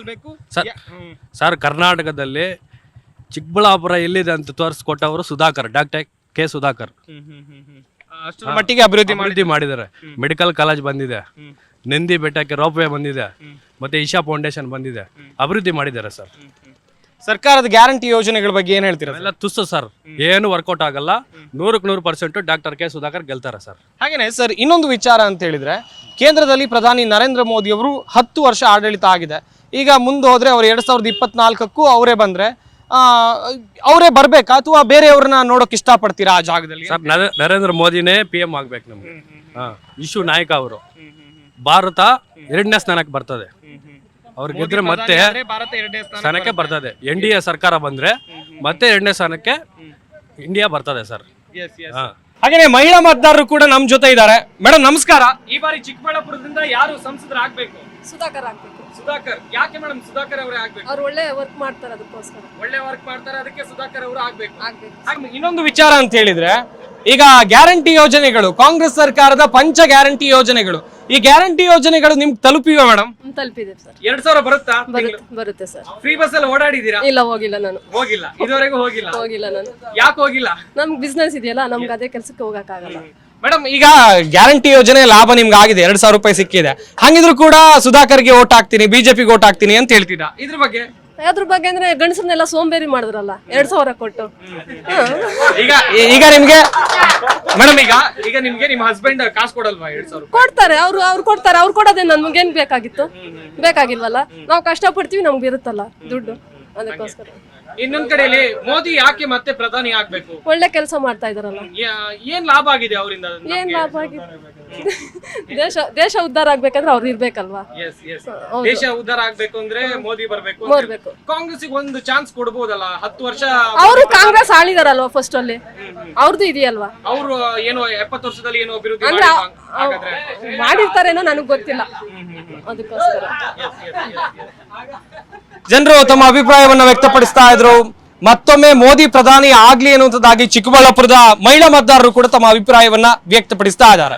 S6: ಸರ್ ಕರ್ನಾಟಕದಲ್ಲಿ ಚಿಕ್ಕಬಳ್ಳಾಪುರ ಎಲ್ಲಿದೆ ಅಂತ ತೋರಿಸ್ಕೊಟ್ಟವರು ಸುಧಾಕರ್, ಡಾಕ್ಟರ್ ಕೆ ಸುಧಾಕರ್.
S1: ಅಷ್ಟರ ಮಟ್ಟಿಗೆ ಅಭಿವೃದ್ಧಿ
S6: ಮಾಡಿದ್ದಾರೆ. ಮೆಡಿಕಲ್ ಕಾಲೇಜ್ ಬಂದಿದೆ, ನಂದಿ ಬೆಟ್ಟಕ್ಕೆ ರೋಪ್ ವೇ ಬಂದಿದೆ, ಮತ್ತೆ ಇಶಾ ಫೌಂಡೇಶನ್ ಬಂದಿದೆ, ಅಭಿವೃದ್ಧಿ ಮಾಡಿದ್ದಾರೆ ಸರ್.
S1: ಸರ್ಕಾರದ ಗ್ಯಾರಂಟಿ ಯೋಜನೆಗಳ ಬಗ್ಗೆ ಏನ್ ಹೇಳ್ತೀರಾ?
S6: ಎಲ್ಲ ತುಸ್ಸು ಸರ್, ಏನು ವರ್ಕೌಟ್ ಆಗಲ್ಲ. 100% ಡಾಕ್ಟರ್ ಕೆ ಸುಧಾಕರ್ ಗೆಲ್ತಾರೆ ಸರ್.
S1: ಹಾಗೇನೆ ಸರ್, ಇನ್ನೊಂದು ವಿಚಾರ ಅಂತ ಹೇಳಿದ್ರೆ, ಕೇಂದ್ರದಲ್ಲಿ ಪ್ರಧಾನಿ ನರೇಂದ್ರ ಮೋದಿ ಅವರು 10 ವರ್ಷ ಆಡಳಿತ ಆಗಿದೆ. ಈಗ ಮುಂದೆ ಹೋದ್ರೆ ಅವ್ರು 2024ಕ್ಕೂ ಅವರೇ ಬಂದ್ರೆ ಅವರೇ ಬರ್ಬೇಕಾ ಅಥವಾ ಬೇರೆಯವ್ರನ್ನ ನೋಡೋಕೆ ಇಷ್ಟಪಡ್ತೀರಾ ಆ ಜಾಗದಲ್ಲಿ?
S6: ಸರ್, ನರೇಂದ್ರ ಮೋದಿನೇ PM ಆಗ್ಬೇಕು ನಮ್ಗೆ. ಇಶ್ಯೂ ನಾಯಕ ಅವರು. ಭಾರತ 2ನೇ ಸ್ಥಾನಕ್ಕೆ ಬರ್ತದೆ. ಅವ್ರು ಗೆದ್ರೆ ಮತ್ತೆ ಸ್ಥಾನಕ್ಕೆ ಬರ್ತದೆ. NDA ಸರ್ಕಾರ ಬಂದ್ರೆ ಮತ್ತೆ 2ನೇ ಸ್ಥಾನಕ್ಕೆ ಇಂಡಿಯಾ ಬರ್ತದೆ ಸರ್.
S1: ಹಾಗೇನೆ ಮಹಿಳಾ ಮತದಾರರು ಕೂಡ ನಮ್ ಜೊತೆ ಇದ್ದಾರೆ. ಮೇಡಮ್ ನಮಸ್ಕಾರ. ಈ ಬಾರಿ ಚಿಕ್ಕಬಳ್ಳಾಪುರದಿಂದ ಯಾರು ಸಂಸದರಾಗಬೇಕು?
S11: ಸುಧಾಕರ್ ಆಗ್ಬೇಕು.
S1: ಸುಧಾಕರ್. ಯಾಕೆ ಮೇಡಮ್ ಸುಧಾಕರ್ ಅವರೇ ಆಗ್ಬೇಕು?
S11: ಅವ್ರು ಒಳ್ಳೆ ವರ್ಕ್ ಮಾಡ್ತಾರೆ, ಅದಕ್ಕೋಸ್ಕರ.
S1: ಒಳ್ಳೆ ವರ್ಕ್ ಮಾಡ್ತಾರೆ, ಅದಕ್ಕೆ ಸುಧಾಕರ್ ಅವರು ಆಗ್ಬೇಕು. ಇನ್ನೊಂದು ವಿಚಾರ ಅಂತ ಹೇಳಿದ್ರೆ, ಈಗ ಗ್ಯಾರಂಟಿ ಯೋಜನೆಗಳು, ಕಾಂಗ್ರೆಸ್ ಸರ್ಕಾರದ ಪಂಚ ಗ್ಯಾರಂಟಿ ಯೋಜನೆಗಳು, ಈ ಗ್ಯಾರಂಟಿ ಯೋಜನೆಗಳು ನಿಮ್ಗೆ ತಲುಪಿವೆ ಮೇಡಮ್?
S11: ತಲುಪಿದೆ ಸರ್.
S1: 2,000 ಬರುತ್ತಾ?
S11: ಬರುತ್ತೆ ಸರ್.
S1: ಫ್ರೀ ಬಸ್ ಅಲ್ಲಿ ಓಡಾಡಿದೀರಾ?
S11: ಇಲ್ಲ, ಹೋಗಿಲ್ಲ ನಾನು.
S1: ಹೋಗಿಲ್ಲ, ಇದುವರೆಗೂ ಹೋಗಿಲ್ಲ
S11: ನಾನು.
S1: ಯಾಕೆ ಹೋಗಿಲ್ಲ?
S11: ನಮ್ಗೆ ಬಿಸ್ನೆಸ್ ಇದೆಯಲ್ಲ, ನಮ್ಗೆ ಅದೇ ಕೆಲಸಕ್ಕೆ ಹೋಗಕ್ಕಾಗಲ್ಲ.
S1: ಮೇಡಮ್, ಈಗ ಗ್ಯಾರಂಟಿ ಯೋಜನೆ ಲಾಭ ನಿಮ್ಗೆ ಆಗಿದೆ, 2,000 ರೂಪಾಯಿ ಸಿಕ್ಕಿದೆ. ಹಂಗಿದ್ರು ಕೂಡ ಸುಧಾಕರ್ಗೆ ಓಟ್ ಹಾಕ್ತೀನಿ, ಬಿಜೆಪಿಗೆ ಓಟ್ ಹಾಕ್ತೀನಿ ಅಂತ ಹೇಳ್ತಿದ್ದ. ಇದ್ರ ಬಗ್ಗೆ
S11: ಅಂದ್ರೆ ಗಂಡಸರನ್ನೆಲ್ಲ ಸೋಂಬೇರಿ ಮಾಡಿದ್ರಲ್ಲ 2,000 ಕೊಟ್ಟು.
S1: ಈಗ ನಿಮ್ಗೆ ಮೇಡಮ್, ಈಗ ನಿಮ್ಗೆ ನಿಮ್ಮ ಹಸ್ಬೆಂಡ್ ಕಾಸು ಕೊಡಲ್ವಾ? 2,000
S11: ಕೊಡ್ತಾರೆ. ಅವ್ರು ಕೊಡ್ತಾರೆ. ಅವ್ರು ಕೊಡೋದೇ ನಮ್ಗೇನ್ ಬೇಕಾಗಿತ್ತು? ಬೇಕಾಗಿಲ್ವಲ್ಲ. ನಾವು ಕಷ್ಟಪಡ್ತೀವಿ, ನಮ್ಗೆ ಇರುತ್ತಲ್ಲ ದುಡ್ಡು, ಅದಕ್ಕೋಸ್ಕರ.
S1: ಇನ್ನೊಂದ್ ಕಡೆಯಲ್ಲಿ ಮೋದಿ ಯಾಕೆ ಮತ್ತೆ ಪ್ರಧಾನಿ ಆಗ್ಬೇಕು?
S11: ಒಳ್ಳೆ ಕೆಲಸ ಮಾಡ್ತಾ ಇದಾರಲ್ಲ.
S1: ಏನ್ ಲಾಭ ಆಗಿದೆ ಅವರಿಂದ?
S11: ಏನ್ ಲಾಭ ಆಗಿದೆ? ದೇಶ ಉದ್ಧಾರ ಆಗ್ಬೇಕಂದ್ರೆ ಅವ್ರು ಇರ್ಬೇಕಲ್ವಾ?
S1: ದೇಶ ಉದ್ಧಾರ ಆಗ್ಬೇಕು ಅಂದ್ರೆ ಮೋದಿ ಬರ್ಬೇಕು. ಕಾಂಗ್ರೆಸ್ ಒಂದು ಚಾನ್ಸ್ ಕೊಡ್ಬೋದಲ್ಲ? 10 ವರ್ಷ
S11: ಅವರು ಕಾಂಗ್ರೆಸ್ ಆಳಿದಾರಲ್ವಾ ಫಸ್ಟ್ ಅಲ್ಲಿ, ಅವ್ರದ್ದು ಇದೆಯಲ್ವಾ?
S1: ಅವರು ಏನೋ 70 ವರ್ಷದಲ್ಲಿ ಏನೋ ಅಭಿವೃದ್ಧಿ
S11: ಮಾಡಿರ್ತಾರೇನೋ, ನನಗ್ ಗೊತ್ತಿಲ್ಲ. ಅದಕ್ಕೋಸ್ಕರ
S1: ಜನರು ತಮ್ಮ ಅಭಿಪ್ರಾಯವನ್ನ ವ್ಯಕ್ತಪಡಿಸ್ತಾ ಇದ್ರು. ಮತ್ತೊಮ್ಮೆ ಮೋದಿ ಪ್ರಧಾನಿ ಆಗ್ಲಿ ಅನ್ನುವಂಥದ್ದಾಗಿ ಚಿಕ್ಕಬಳ್ಳಾಪುರದ ಮಹಿಳಾ ಮತದಾರರು ಕೂಡ ತಮ್ಮ ಅಭಿಪ್ರಾಯವನ್ನ ವ್ಯಕ್ತಪಡಿಸ್ತಾ ಇದ್ದಾರೆ.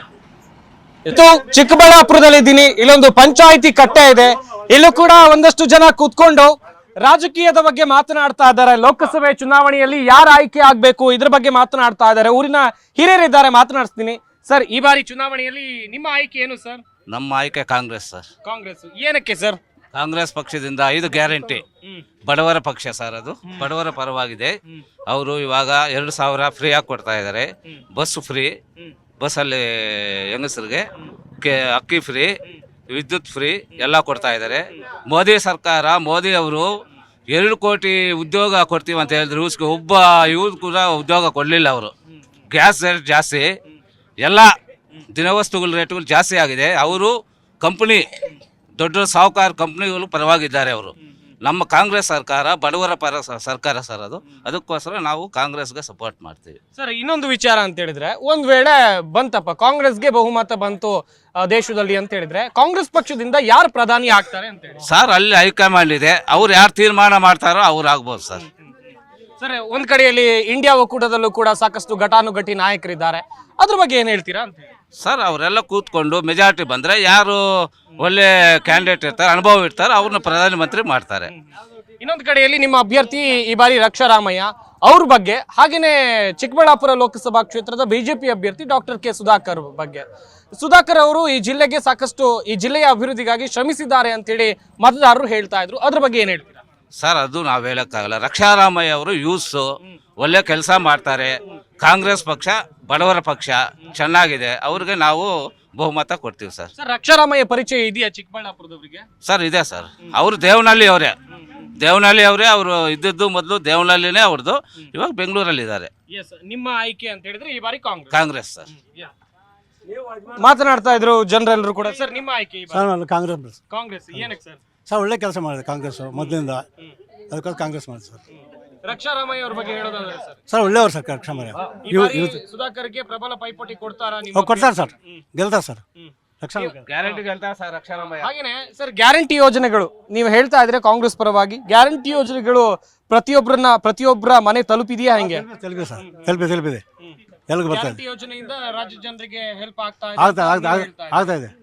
S1: ಇದು ಚಿಕ್ಕಬಳ್ಳಾಪುರದಲ್ಲಿದ್ದೀನಿ. ಇಲ್ಲೊಂದು ಪಂಚಾಯಿತಿ ಕಟ್ಟೆ ಇದೆ. ಇಲ್ಲೂ ಕೂಡ ಒಂದಷ್ಟು ಜನ ಕೂತ್ಕೊಂಡು ರಾಜಕೀಯದ ಬಗ್ಗೆ ಮಾತನಾಡ್ತಾ ಇದ್ದಾರೆ. ಲೋಕಸಭೆ ಚುನಾವಣೆಯಲ್ಲಿ ಯಾರು ಆಯ್ಕೆ ಆಗ್ಬೇಕು ಇದ್ರ ಬಗ್ಗೆ ಮಾತನಾಡ್ತಾ ಇದ್ದಾರೆ. ಊರಿನ ಹಿರಿಯರಿದ್ದಾರೆ, ಮಾತನಾಡಿಸ್ತೀನಿ. ಸರ್, ಈ ಬಾರಿ ಚುನಾವಣೆಯಲ್ಲಿ ನಿಮ್ಮ ಆಯ್ಕೆ ಏನು ಸರ್?
S6: ನಮ್ಮ ಆಯ್ಕೆ ಕಾಂಗ್ರೆಸ್ ಸರ್.
S1: ಕಾಂಗ್ರೆಸ್. ಏನಕ್ಕೆ ಸರ್?
S6: ಕಾಂಗ್ರೆಸ್ ಪಕ್ಷದಿಂದ 5 ಗ್ಯಾರಂಟಿ ಬಡವರ ಪಕ್ಷ ಸರ್. ಅದು ಬಡವರ ಪರವಾಗಿದೆ. ಅವರು ಇವಾಗ 2,000 ಫ್ರೀ ಆಗಿ ಕೊಡ್ತಾ ಇದ್ದಾರೆ. ಬಸ್ ಫ್ರೀ, ಬಸ್ಸಲ್ಲಿ ಹೆಂಗಸರಿಗೆ ಅಕ್ಕಿ ಫ್ರೀ, ವಿದ್ಯುತ್ ಫ್ರೀ ಎಲ್ಲ ಕೊಡ್ತಾ ಇದ್ದಾರೆ. ಮೋದಿ ಸರ್ಕಾರ, ಮೋದಿ ಅವರು 2 ಕೋಟಿ ಉದ್ಯೋಗ ಕೊಡ್ತೀವಿ ಅಂತ ಹೇಳಿದ್ರು. ಒಬ್ಬ ಇವ್ರು ಕೂಡ ಉದ್ಯೋಗ ಕೊಡಲಿಲ್ಲ ಅವರು. ಗ್ಯಾಸ್ ರೇಟ್ ಜಾಸ್ತಿ, ಎಲ್ಲ ದಿನವಸ್ತುಗಳ ರೇಟ್ಗಳು ಜಾಸ್ತಿ ಆಗಿದೆ. ಅವರು ಕಂಪ್ನಿ, ದೊಡ್ಡ ಸಾಹುಕಾರ ಕಂಪ್ನಿಗಳು ಪರವಾಗಿದ್ದಾರೆ ಅವರು. ನಮ್ಮ ಕಾಂಗ್ರೆಸ್ ಸರ್ಕಾರ ಬಡವರ ಪರ ಸರ್ಕಾರ ಸರ್ ಅದು. ಅದಕ್ಕೋಸ್ಕರ ನಾವು ಕಾಂಗ್ರೆಸ್ಗೆ ಸಪೋರ್ಟ್ ಮಾಡ್ತೀವಿ
S1: ಸರ್. ಇನ್ನೊಂದು ವಿಚಾರ ಅಂತ ಹೇಳಿದ್ರೆ, ಒಂದ್ ವೇಳೆ ಬಂತಪ್ಪ ಕಾಂಗ್ರೆಸ್ಗೆ ಬಹುಮತ ಬಂತು ದೇಶದಲ್ಲಿ ಅಂತ ಹೇಳಿದ್ರೆ, ಕಾಂಗ್ರೆಸ್ ಪಕ್ಷದಿಂದ ಯಾರು ಪ್ರಧಾನಿ ಆಗ್ತಾರೆ ಅಂತ ಹೇಳಿ
S6: ಸರ್? ಅಲ್ಲಿ ಹೈಕಮಾಂಡ್ ಇದೆ, ಅವ್ರು ಯಾರು ತೀರ್ಮಾನ ಮಾಡ್ತಾರೋ ಅವ್ರು ಆಗ್ಬೋದು ಸರ್.
S1: ಸರ್, ಒಂದ್ ಕಡೆಯಲ್ಲಿ ಇಂಡಿಯಾ ಒಕ್ಕೂಟದಲ್ಲೂ ಕೂಡ ಸಾಕಷ್ಟು ಘಟಾನುಘಟಿ ನಾಯಕರಿದ್ದಾರೆ. ಅದ್ರ ಬಗ್ಗೆ ಏನ್ ಹೇಳ್ತೀರಾ ಅಂತ ಹೇಳಿ
S6: ಸರ್? ಅವರೆಲ್ಲ ಕೂತ್ಕೊಂಡು ಮೆಜಾರಿಟಿ ಬಂದರೆ ಯಾರು ಒಳ್ಳೆ ಕ್ಯಾಂಡಿಡೇಟ್ ಇರ್ತಾರೆ, ಅನುಭವ ಇರ್ತಾರೆ, ಅವ್ರನ್ನ ಪ್ರಧಾನಮಂತ್ರಿ ಮಾಡ್ತಾರೆ.
S1: ಇನ್ನೊಂದು ಕಡೆಯಲ್ಲಿ ನಿಮ್ಮ ಅಭ್ಯರ್ಥಿ ಈ ಬಾರಿ ರಕ್ಷಾರಾಮಯ್ಯ ಅವ್ರ ಬಗ್ಗೆ, ಹಾಗೇನೆ ಚಿಕ್ಕಬಳ್ಳಾಪುರ ಲೋಕಸಭಾ ಕ್ಷೇತ್ರದ ಬಿಜೆಪಿ ಅಭ್ಯರ್ಥಿ ಡಾಕ್ಟರ್ ಕೆ ಸುಧಾಕರ್ ಬಗ್ಗೆ. ಸುಧಾಕರ್ ಅವರು ಈ ಜಿಲ್ಲೆಗೆ ಸಾಕಷ್ಟು, ಈ ಜಿಲ್ಲೆಯ ಅಭಿವೃದ್ಧಿಗಾಗಿ ಶ್ರಮಿಸಿದ್ದಾರೆ ಅಂತೇಳಿ ಮತದಾರರು ಹೇಳ್ತಾ ಇದ್ರು. ಅದ್ರ ಬಗ್ಗೆ ಏನ್ ಹೇಳ್ತೀರಾ
S6: ಸರ್? ಅದು ನಾವು ಹೇಳೋಕ್ಕಾಗಲ್ಲ. ರಕ್ಷಾರಾಮಯ್ಯ ಅವರು ಯೂತ್ಸು ಒಳ್ಳೆ ಕೆಲಸ ಮಾಡ್ತಾರೆ. ಕಾಂಗ್ರೆಸ್ ಪಕ್ಷ ಬಡವರ ಪಕ್ಷ, ಚೆನ್ನಾಗಿದೆ. ಅವ್ರಿಗೆ ನಾವು ಬಹುಮತ ಕೊಡ್ತೀವಿ ಸರ್.
S1: ಸರ್, ರಕ್ಷಾರಾಮಯ್ಯ ಪರಿಚಯ ಇದೆಯಾ ಚಿಕ್ಕಬಳ್ಳಾಪುರದವರಿಗೆ?
S6: ಸರ್ ಇದೆ ಸರ್. ಅವರು ದೇವನಹಳ್ಳಿ ಅವರೇ. ಅವರು ಇದ್ದದ್ದು ಮೊದಲು ದೇವನಹಳ್ಳಿನೇ ಅವ್ರದ್ದು. ಇವಾಗ ಬೆಂಗಳೂರಲ್ಲಿದ್ದಾರೆ.
S1: ನಿಮ್ಮ ಆಯ್ಕೆ ಅಂತ ಹೇಳಿದ್ರೆ ಈ ಬಾರಿ
S6: ಕಾಂಗ್ರೆಸ್ ಸರ್.
S1: ಮಾತನಾಡ್ತಾ ಇದ್ರು ಜನರೆಲ್ಲರೂ ಕೂಡ. ಸರ್, ನಿಮ್ಮ ಆಯ್ಕೆ ಈ ಬಾರಿ?
S5: ಸರ್ ಕಾಂಗ್ರೆಸ್.
S1: ಕಾಂಗ್ರೆಸ್. ಏನಕ್ಕೆ ಸರ್?
S5: ಸರ್ ಒಳ್ಳೆ ಕೆಲಸ ಮಾಡಿದೆ ಕಾಂಗ್ರೆಸ್ ಮೊದಲಿಂದ, ಅದಕ್ಕೋಸ್ಕರ ಕಾಂಗ್ರೆಸ್ ಮಾಡಿದೆ ಸರ್.
S1: ರಕ್ಷಾರಾಮಯ್ಯ ಅವ್ರ ಬಗ್ಗೆ ಹೇಳೋದಾದ್ರೆ ಸರ್?
S5: ಸರ್ ಒಳ್ಳೆಯವರು ಸರ್ ರಕ್ಷಾರಾಮಯ್ಯ.
S1: ಈ ಬಾರಿ ಸುಧಾಕರ್ಗೆ ಪ್ರಬಲ ಪೈಪೋಟಿ ಕೊಡ್ತಾರಾ?
S5: ಕೊಡ್ತಾರೆ ಸರ್, ಗೆಲ್ತಾರೆ ಸರ್.
S6: ಗ್ಯಾರಂಟಿ ಗೆಲ್ತಾರೆ ಸರ್ ರಕ್ಷಾರಾಮಯ್ಯ.
S1: ಹಾಗೇನೆ ಸರ್, ಗ್ಯಾರಂಟಿ ಯೋಜನೆಗಳು ನೀವು ಹೇಳ್ತಾ ಇದ್ರೆ ಕಾಂಗ್ರೆಸ್ ಪರವಾಗಿ, ಗ್ಯಾರಂಟಿ ಯೋಜನೆಗಳು ಪ್ರತಿಯೊಬ್ಬರ ಮನೆ ತಲುಪಿದೆಯಾ? ಹೆಂಗೆ
S5: ತಲುಪಿದೆ ಸರ್, ತಲುಪಿದೆ. ಎಲ್ಲಿಗೆ ಬರ್ತಾ ಇದೆ?
S1: ಗ್ಯಾರಂಟಿ ಯೋಜನೆಯಿಂದ ರಾಜ್ಯ ಜನರಿಗೆ ಹೆಲ್ಪ್
S5: ಆಗ್ತಾ ಇದೆ.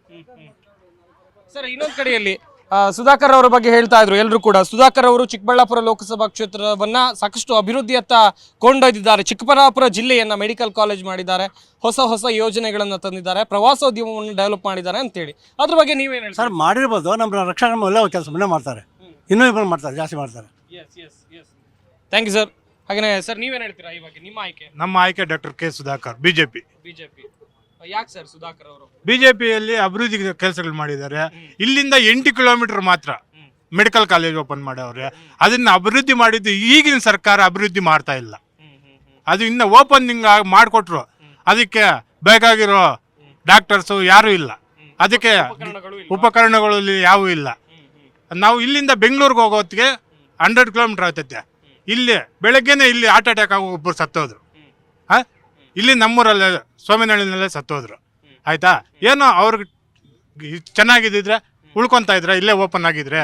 S1: ಸರ್, ಇನ್ನೊಂದು ಕಡೆಯಲ್ಲಿ ಸುಧಾಕರ್ ಅವರ ಬಗ್ಗೆ ಹೇಳ್ತಾ ಇದ್ರು ಎಲ್ಲರೂ ಕೂಡ. ಸುಧಾಕರ್ ಅವರು ಚಿಕ್ಕಬಳ್ಳಾಪುರ ಲೋಕಸಭಾ ಕ್ಷೇತ್ರವನ್ನ ಸಾಕಷ್ಟು ಅಭಿವೃದ್ಧಿಯತ್ತ ಕೊಂಡೊಯ್ದಿದ್ದಾರೆ. ಚಿಕ್ಕಬಳ್ಳಾಪುರ ಜಿಲ್ಲೆಯನ್ನ ಮೆಡಿಕಲ್ ಕಾಲೇಜ್ ಮಾಡಿದ್ದಾರೆ, ಹೊಸ ಯೋಜನೆಗಳನ್ನ ತಂದಿದ್ದಾರೆ, ಪ್ರವಾಸೋದ್ಯಮವನ್ನು ಡೆವಲಪ್ ಮಾಡಿದ್ದಾರೆ ಅಂತೇಳಿ. ಅದ್ರ ಬಗ್ಗೆ ನೀವೇನು ಹೇಳ್ತೀರಾ?
S5: ಸರ್ ಮಾಡಿರ್ಬೋದು, ನಮ್ಮ ರಕ್ಷಣಾ ಒಳ್ಳೆ ಕೆಲಸ ಮನೆ ಮಾಡ್ತಾರೆ, ಇನ್ನೂ ಇಬ್ಬರು ಮಾಡ್ತಾರೆ, ಜಾಸ್ತಿ ಮಾಡ್ತಾರೆ.
S1: Thank you sir. ಹಾಗೇನೆ ಸರ್, ನೀವೇನು ಹೇಳ್ತೀರಾ ಈ ಬಗ್ಗೆ? ನಿಮ್ಮ ಆಯ್ಕೆ?
S2: ನಮ್ಮ ಆಯ್ಕೆ ಡಾಕ್ಟರ್ ಕೆ ಸುಧಾಕರ್, ಬಿಜೆಪಿ.
S1: ಯಾಕೆ ಸರ್ ಸುಧಾಕರ್ ಅವರು?
S2: ಬಿಜೆಪಿಯಲ್ಲಿ ಅಭಿವೃದ್ಧಿ ಕೆಲಸಗಳು ಮಾಡಿದ್ದಾರೆ. ಇಲ್ಲಿಂದ 8 ಕಿಲೋಮೀಟರ್ ಮಾತ್ರ ಮೆಡಿಕಲ್ ಕಾಲೇಜ್ ಓಪನ್ ಮಾಡವ್ರೆ. ಅದನ್ನ ಅಭಿವೃದ್ಧಿ ಮಾಡಿದ್ದು ಈಗಿನ ಸರ್ಕಾರ ಅಭಿವೃದ್ಧಿ ಮಾಡ್ತಾ ಇಲ್ಲ. ಅದು ಇನ್ನು ಓಪನಿಂಗ್ ಮಾಡಿಕೊಟ್ರು, ಅದಕ್ಕೆ ಬೇಕಾಗಿರೋ ಡಾಕ್ಟರ್ಸು ಯಾರೂ ಇಲ್ಲ, ಅದಕ್ಕೆ ಉಪಕರಣಗಳು ಯಾವೂ ಇಲ್ಲ. ನಾವು ಇಲ್ಲಿಂದ ಬೆಂಗಳೂರಿಗೆ ಹೋಗೋ ಹೊತ್ತಿಗೆ 100 ಕಿಲೋಮೀಟರ್ ಆಗ್ತೈತೆ. ಇಲ್ಲಿ ಬೆಳಗ್ಗೆನೆ ಇಲ್ಲಿ ಹಾರ್ಟ್ ಅಟ್ಯಾಕ್ ಆಗಿ ಒಬ್ಬರು ಸತ್ತೋದ್ರು. ಇಲ್ಲಿ ನಮ್ಮೂರಲ್ಲೇ ಸೋಮೇನಹಳ್ಳಿನಲ್ಲೇ ಸತ್ತೋದ್ರು. ಆಯ್ತಾ? ಏನೋ ಅವ್ರಿಗೆ ಚೆನ್ನಾಗಿದ್ದಿದ್ರೆ ಉಳ್ಕೊಂತ ಇದ್ರೆ, ಇಲ್ಲೇ ಓಪನ್ ಆಗಿದ್ರೆ.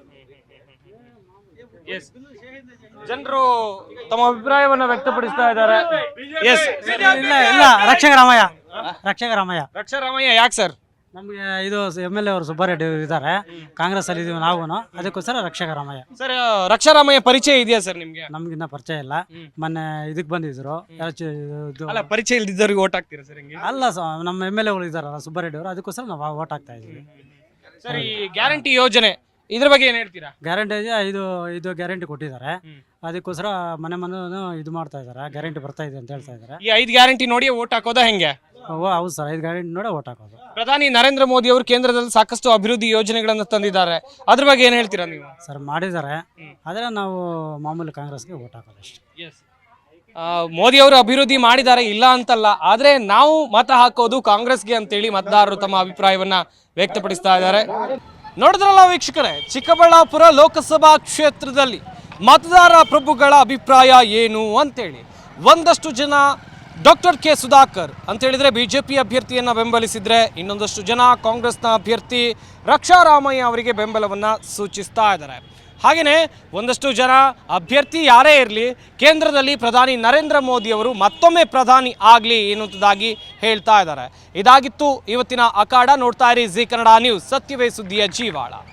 S1: ಜನರು ತಮ್ಮ ಅಭಿಪ್ರಾಯವನ್ನ ವ್ಯಕ್ತಪಡಿಸ್ತಾ ಇದ್ದಾರೆ.
S10: ಇಲ್ಲ
S1: ರಕ್ಷಾರಾಮಯ್ಯ ಯಾಕೆ ಸರ್?
S10: ನಮಗೆ ಇದು MLA ಅವರು ಸುಬ್ಬಾರೆಡ್ಡಿ ಇದ್ದಾರೆ, ಕಾಂಗ್ರೆಸ್ ಅಲ್ಲಿ ಇದೀವಿ ನಾವು, ಅದಕ್ಕೋಸ್ಕರ ರಕ್ಷಾರಾಮಯ್ಯ.
S1: ಸರ್, ರಕ್ಷಾರಾಮಯ್ಯ ಪರಿಚಯ ಇದೆಯಾ ಸರ್ ನಿಮ್ಗೆ?
S10: ನಮ್ಗಿನ್ನ ಪರಿಚಯ ಇಲ್ಲ. ಮೊನ್ನೆ ಇದಕ್ಕೆ ಬಂದಿದ್ರು.
S1: ಅಲ್ಲ, ಪರಿಚಯ ಇಲ್ದಿದ್ದವ್ರಿಗೆ ಓಟ್ ಹಾಕ್ತೀರಾ ಸರ್? ಹಿಂಗೆ
S10: ಅಲ್ಲ, ನಮ್ಮ MLA ಗಳು ಇದಾರಲ್ಲ ಸುಬ್ಬಾರೆಡ್ಡಿ ಅವರು, ಅದಕ್ಕೋಸ್ಕರ ನಾವು ಓಟ್ ಹಾಕ್ತಾ ಇದೀವಿ.
S1: ಸರ್, ಈ ಗ್ಯಾರಂಟಿ ಯೋಜನೆ ಇದ್ರ ಬಗ್ಗೆ ಏನ್ ಹೇಳ್ತೀರಾ?
S10: ಗ್ಯಾರಂಟಿ ಇದು ಗ್ಯಾರಂಟಿ ಕೊಟ್ಟಿದ್ದಾರೆ, ಅದಕ್ಕೋಸ್ಕರ ಮನೆ ಇದು ಮಾಡ್ತಾ ಇದಾರೆ. ಗ್ಯಾರಂಟಿ ಬರ್ತಾ ಇದೆ ಅಂತ ಹೇಳ್ತಾ ಇದಾರೆ.
S1: ಈ 5 ಗ್ಯಾರಂಟಿ ನೋಡಿ ಓಟ್ ಹಾಕೋದಾ ಹೆಂಗೆ?
S10: ಹೌದು ಸರ್, 5 ಗ್ಯಾರಂಟಿ ನೋಡಿ ಓಟ್ ಹಾಕೋದು.
S1: ಪ್ರಧಾನಿ ನರೇಂದ್ರ ಮೋದಿ ಅವರು ಕೇಂದ್ರದಲ್ಲಿ ಸಾಕಷ್ಟು ಅಭಿವೃದ್ಧಿ ಯೋಜನೆಗಳನ್ನು ತಂದಿದ್ದಾರೆ. ಅದ್ರ ಬಗ್ಗೆ ಏನ್ ಹೇಳ್ತೀರಾ ನೀವು?
S10: ಸರ್ ಮಾಡಿದ್ದಾರೆ, ಆದ್ರೆ ನಾವು ಮಾಮೂಲಿ ಕಾಂಗ್ರೆಸ್ಗೆ ಓಟ್ ಹಾಕೋದು ಅಷ್ಟೇ.
S1: ಮೋದಿ ಅವರು ಅಭಿವೃದ್ಧಿ ಮಾಡಿದ್ದಾರೆ, ಇಲ್ಲ ಅಂತಲ್ಲ, ಆದ್ರೆ ನಾವು ಮತ ಹಾಕೋದು ಕಾಂಗ್ರೆಸ್ಗೆ ಅಂತೇಳಿ ಮತದಾರರು ತಮ್ಮ ಅಭಿಪ್ರಾಯವನ್ನ ವ್ಯಕ್ತಪಡಿಸ್ತಾ ಇದ್ದಾರೆ. ನೋಡಿದ್ರಲ್ಲ ವೀಕ್ಷಕರೇ, ಚಿಕ್ಕಬಳ್ಳಾಪುರ ಲೋಕಸಭಾ ಕ್ಷೇತ್ರದಲ್ಲಿ ಮತದಾರ ಪ್ರಭುಗಳ ಅಭಿಪ್ರಾಯ ಏನು ಅಂತೇಳಿ. ಒಂದಷ್ಟು ಜನ ಡಾಕ್ಟರ್ ಕೆ ಸುಧಾಕರ್ ಅಂತ ಹೇಳಿದ್ರೆ ಬಿಜೆಪಿ ಅಭ್ಯರ್ಥಿಯನ್ನ ಬೆಂಬಲಿಸಿದ್ರೆ, ಇನ್ನೊಂದಷ್ಟು ಜನ ಕಾಂಗ್ರೆಸ್ನ ಅಭ್ಯರ್ಥಿ ರಕ್ಷಾ ರಾಮಯ್ಯ ಅವರಿಗೆ ಬೆಂಬಲವನ್ನ ಸೂಚಿಸ್ತಾ ಇದ್ದಾರೆ. ಹಾಗೆಯೇ ಒಂದಷ್ಟು ಜನ ಅಭ್ಯರ್ಥಿ ಯಾರೇ ಇರಲಿ, ಕೇಂದ್ರದಲ್ಲಿ ಪ್ರಧಾನಿ ನರೇಂದ್ರ ಮೋದಿ ಅವರು ಮತ್ತೊಮ್ಮೆ ಪ್ರಧಾನಿ ಆಗಲಿ ಎನ್ನುವುದಾಗಿ ಹೇಳ್ತಾ ಇದ್ದಾರೆ. ಇದಾಗಿತ್ತು ಇವತ್ತಿನ ಅಖಾಡ. ನೋಡ್ತಾ ಇರಿ ಜಿ ಕನ್ನಡ ನ್ಯೂಸ್, ಸತ್ಯವೇ ಸುದ್ದಿಯ ಜೀವಾಳ.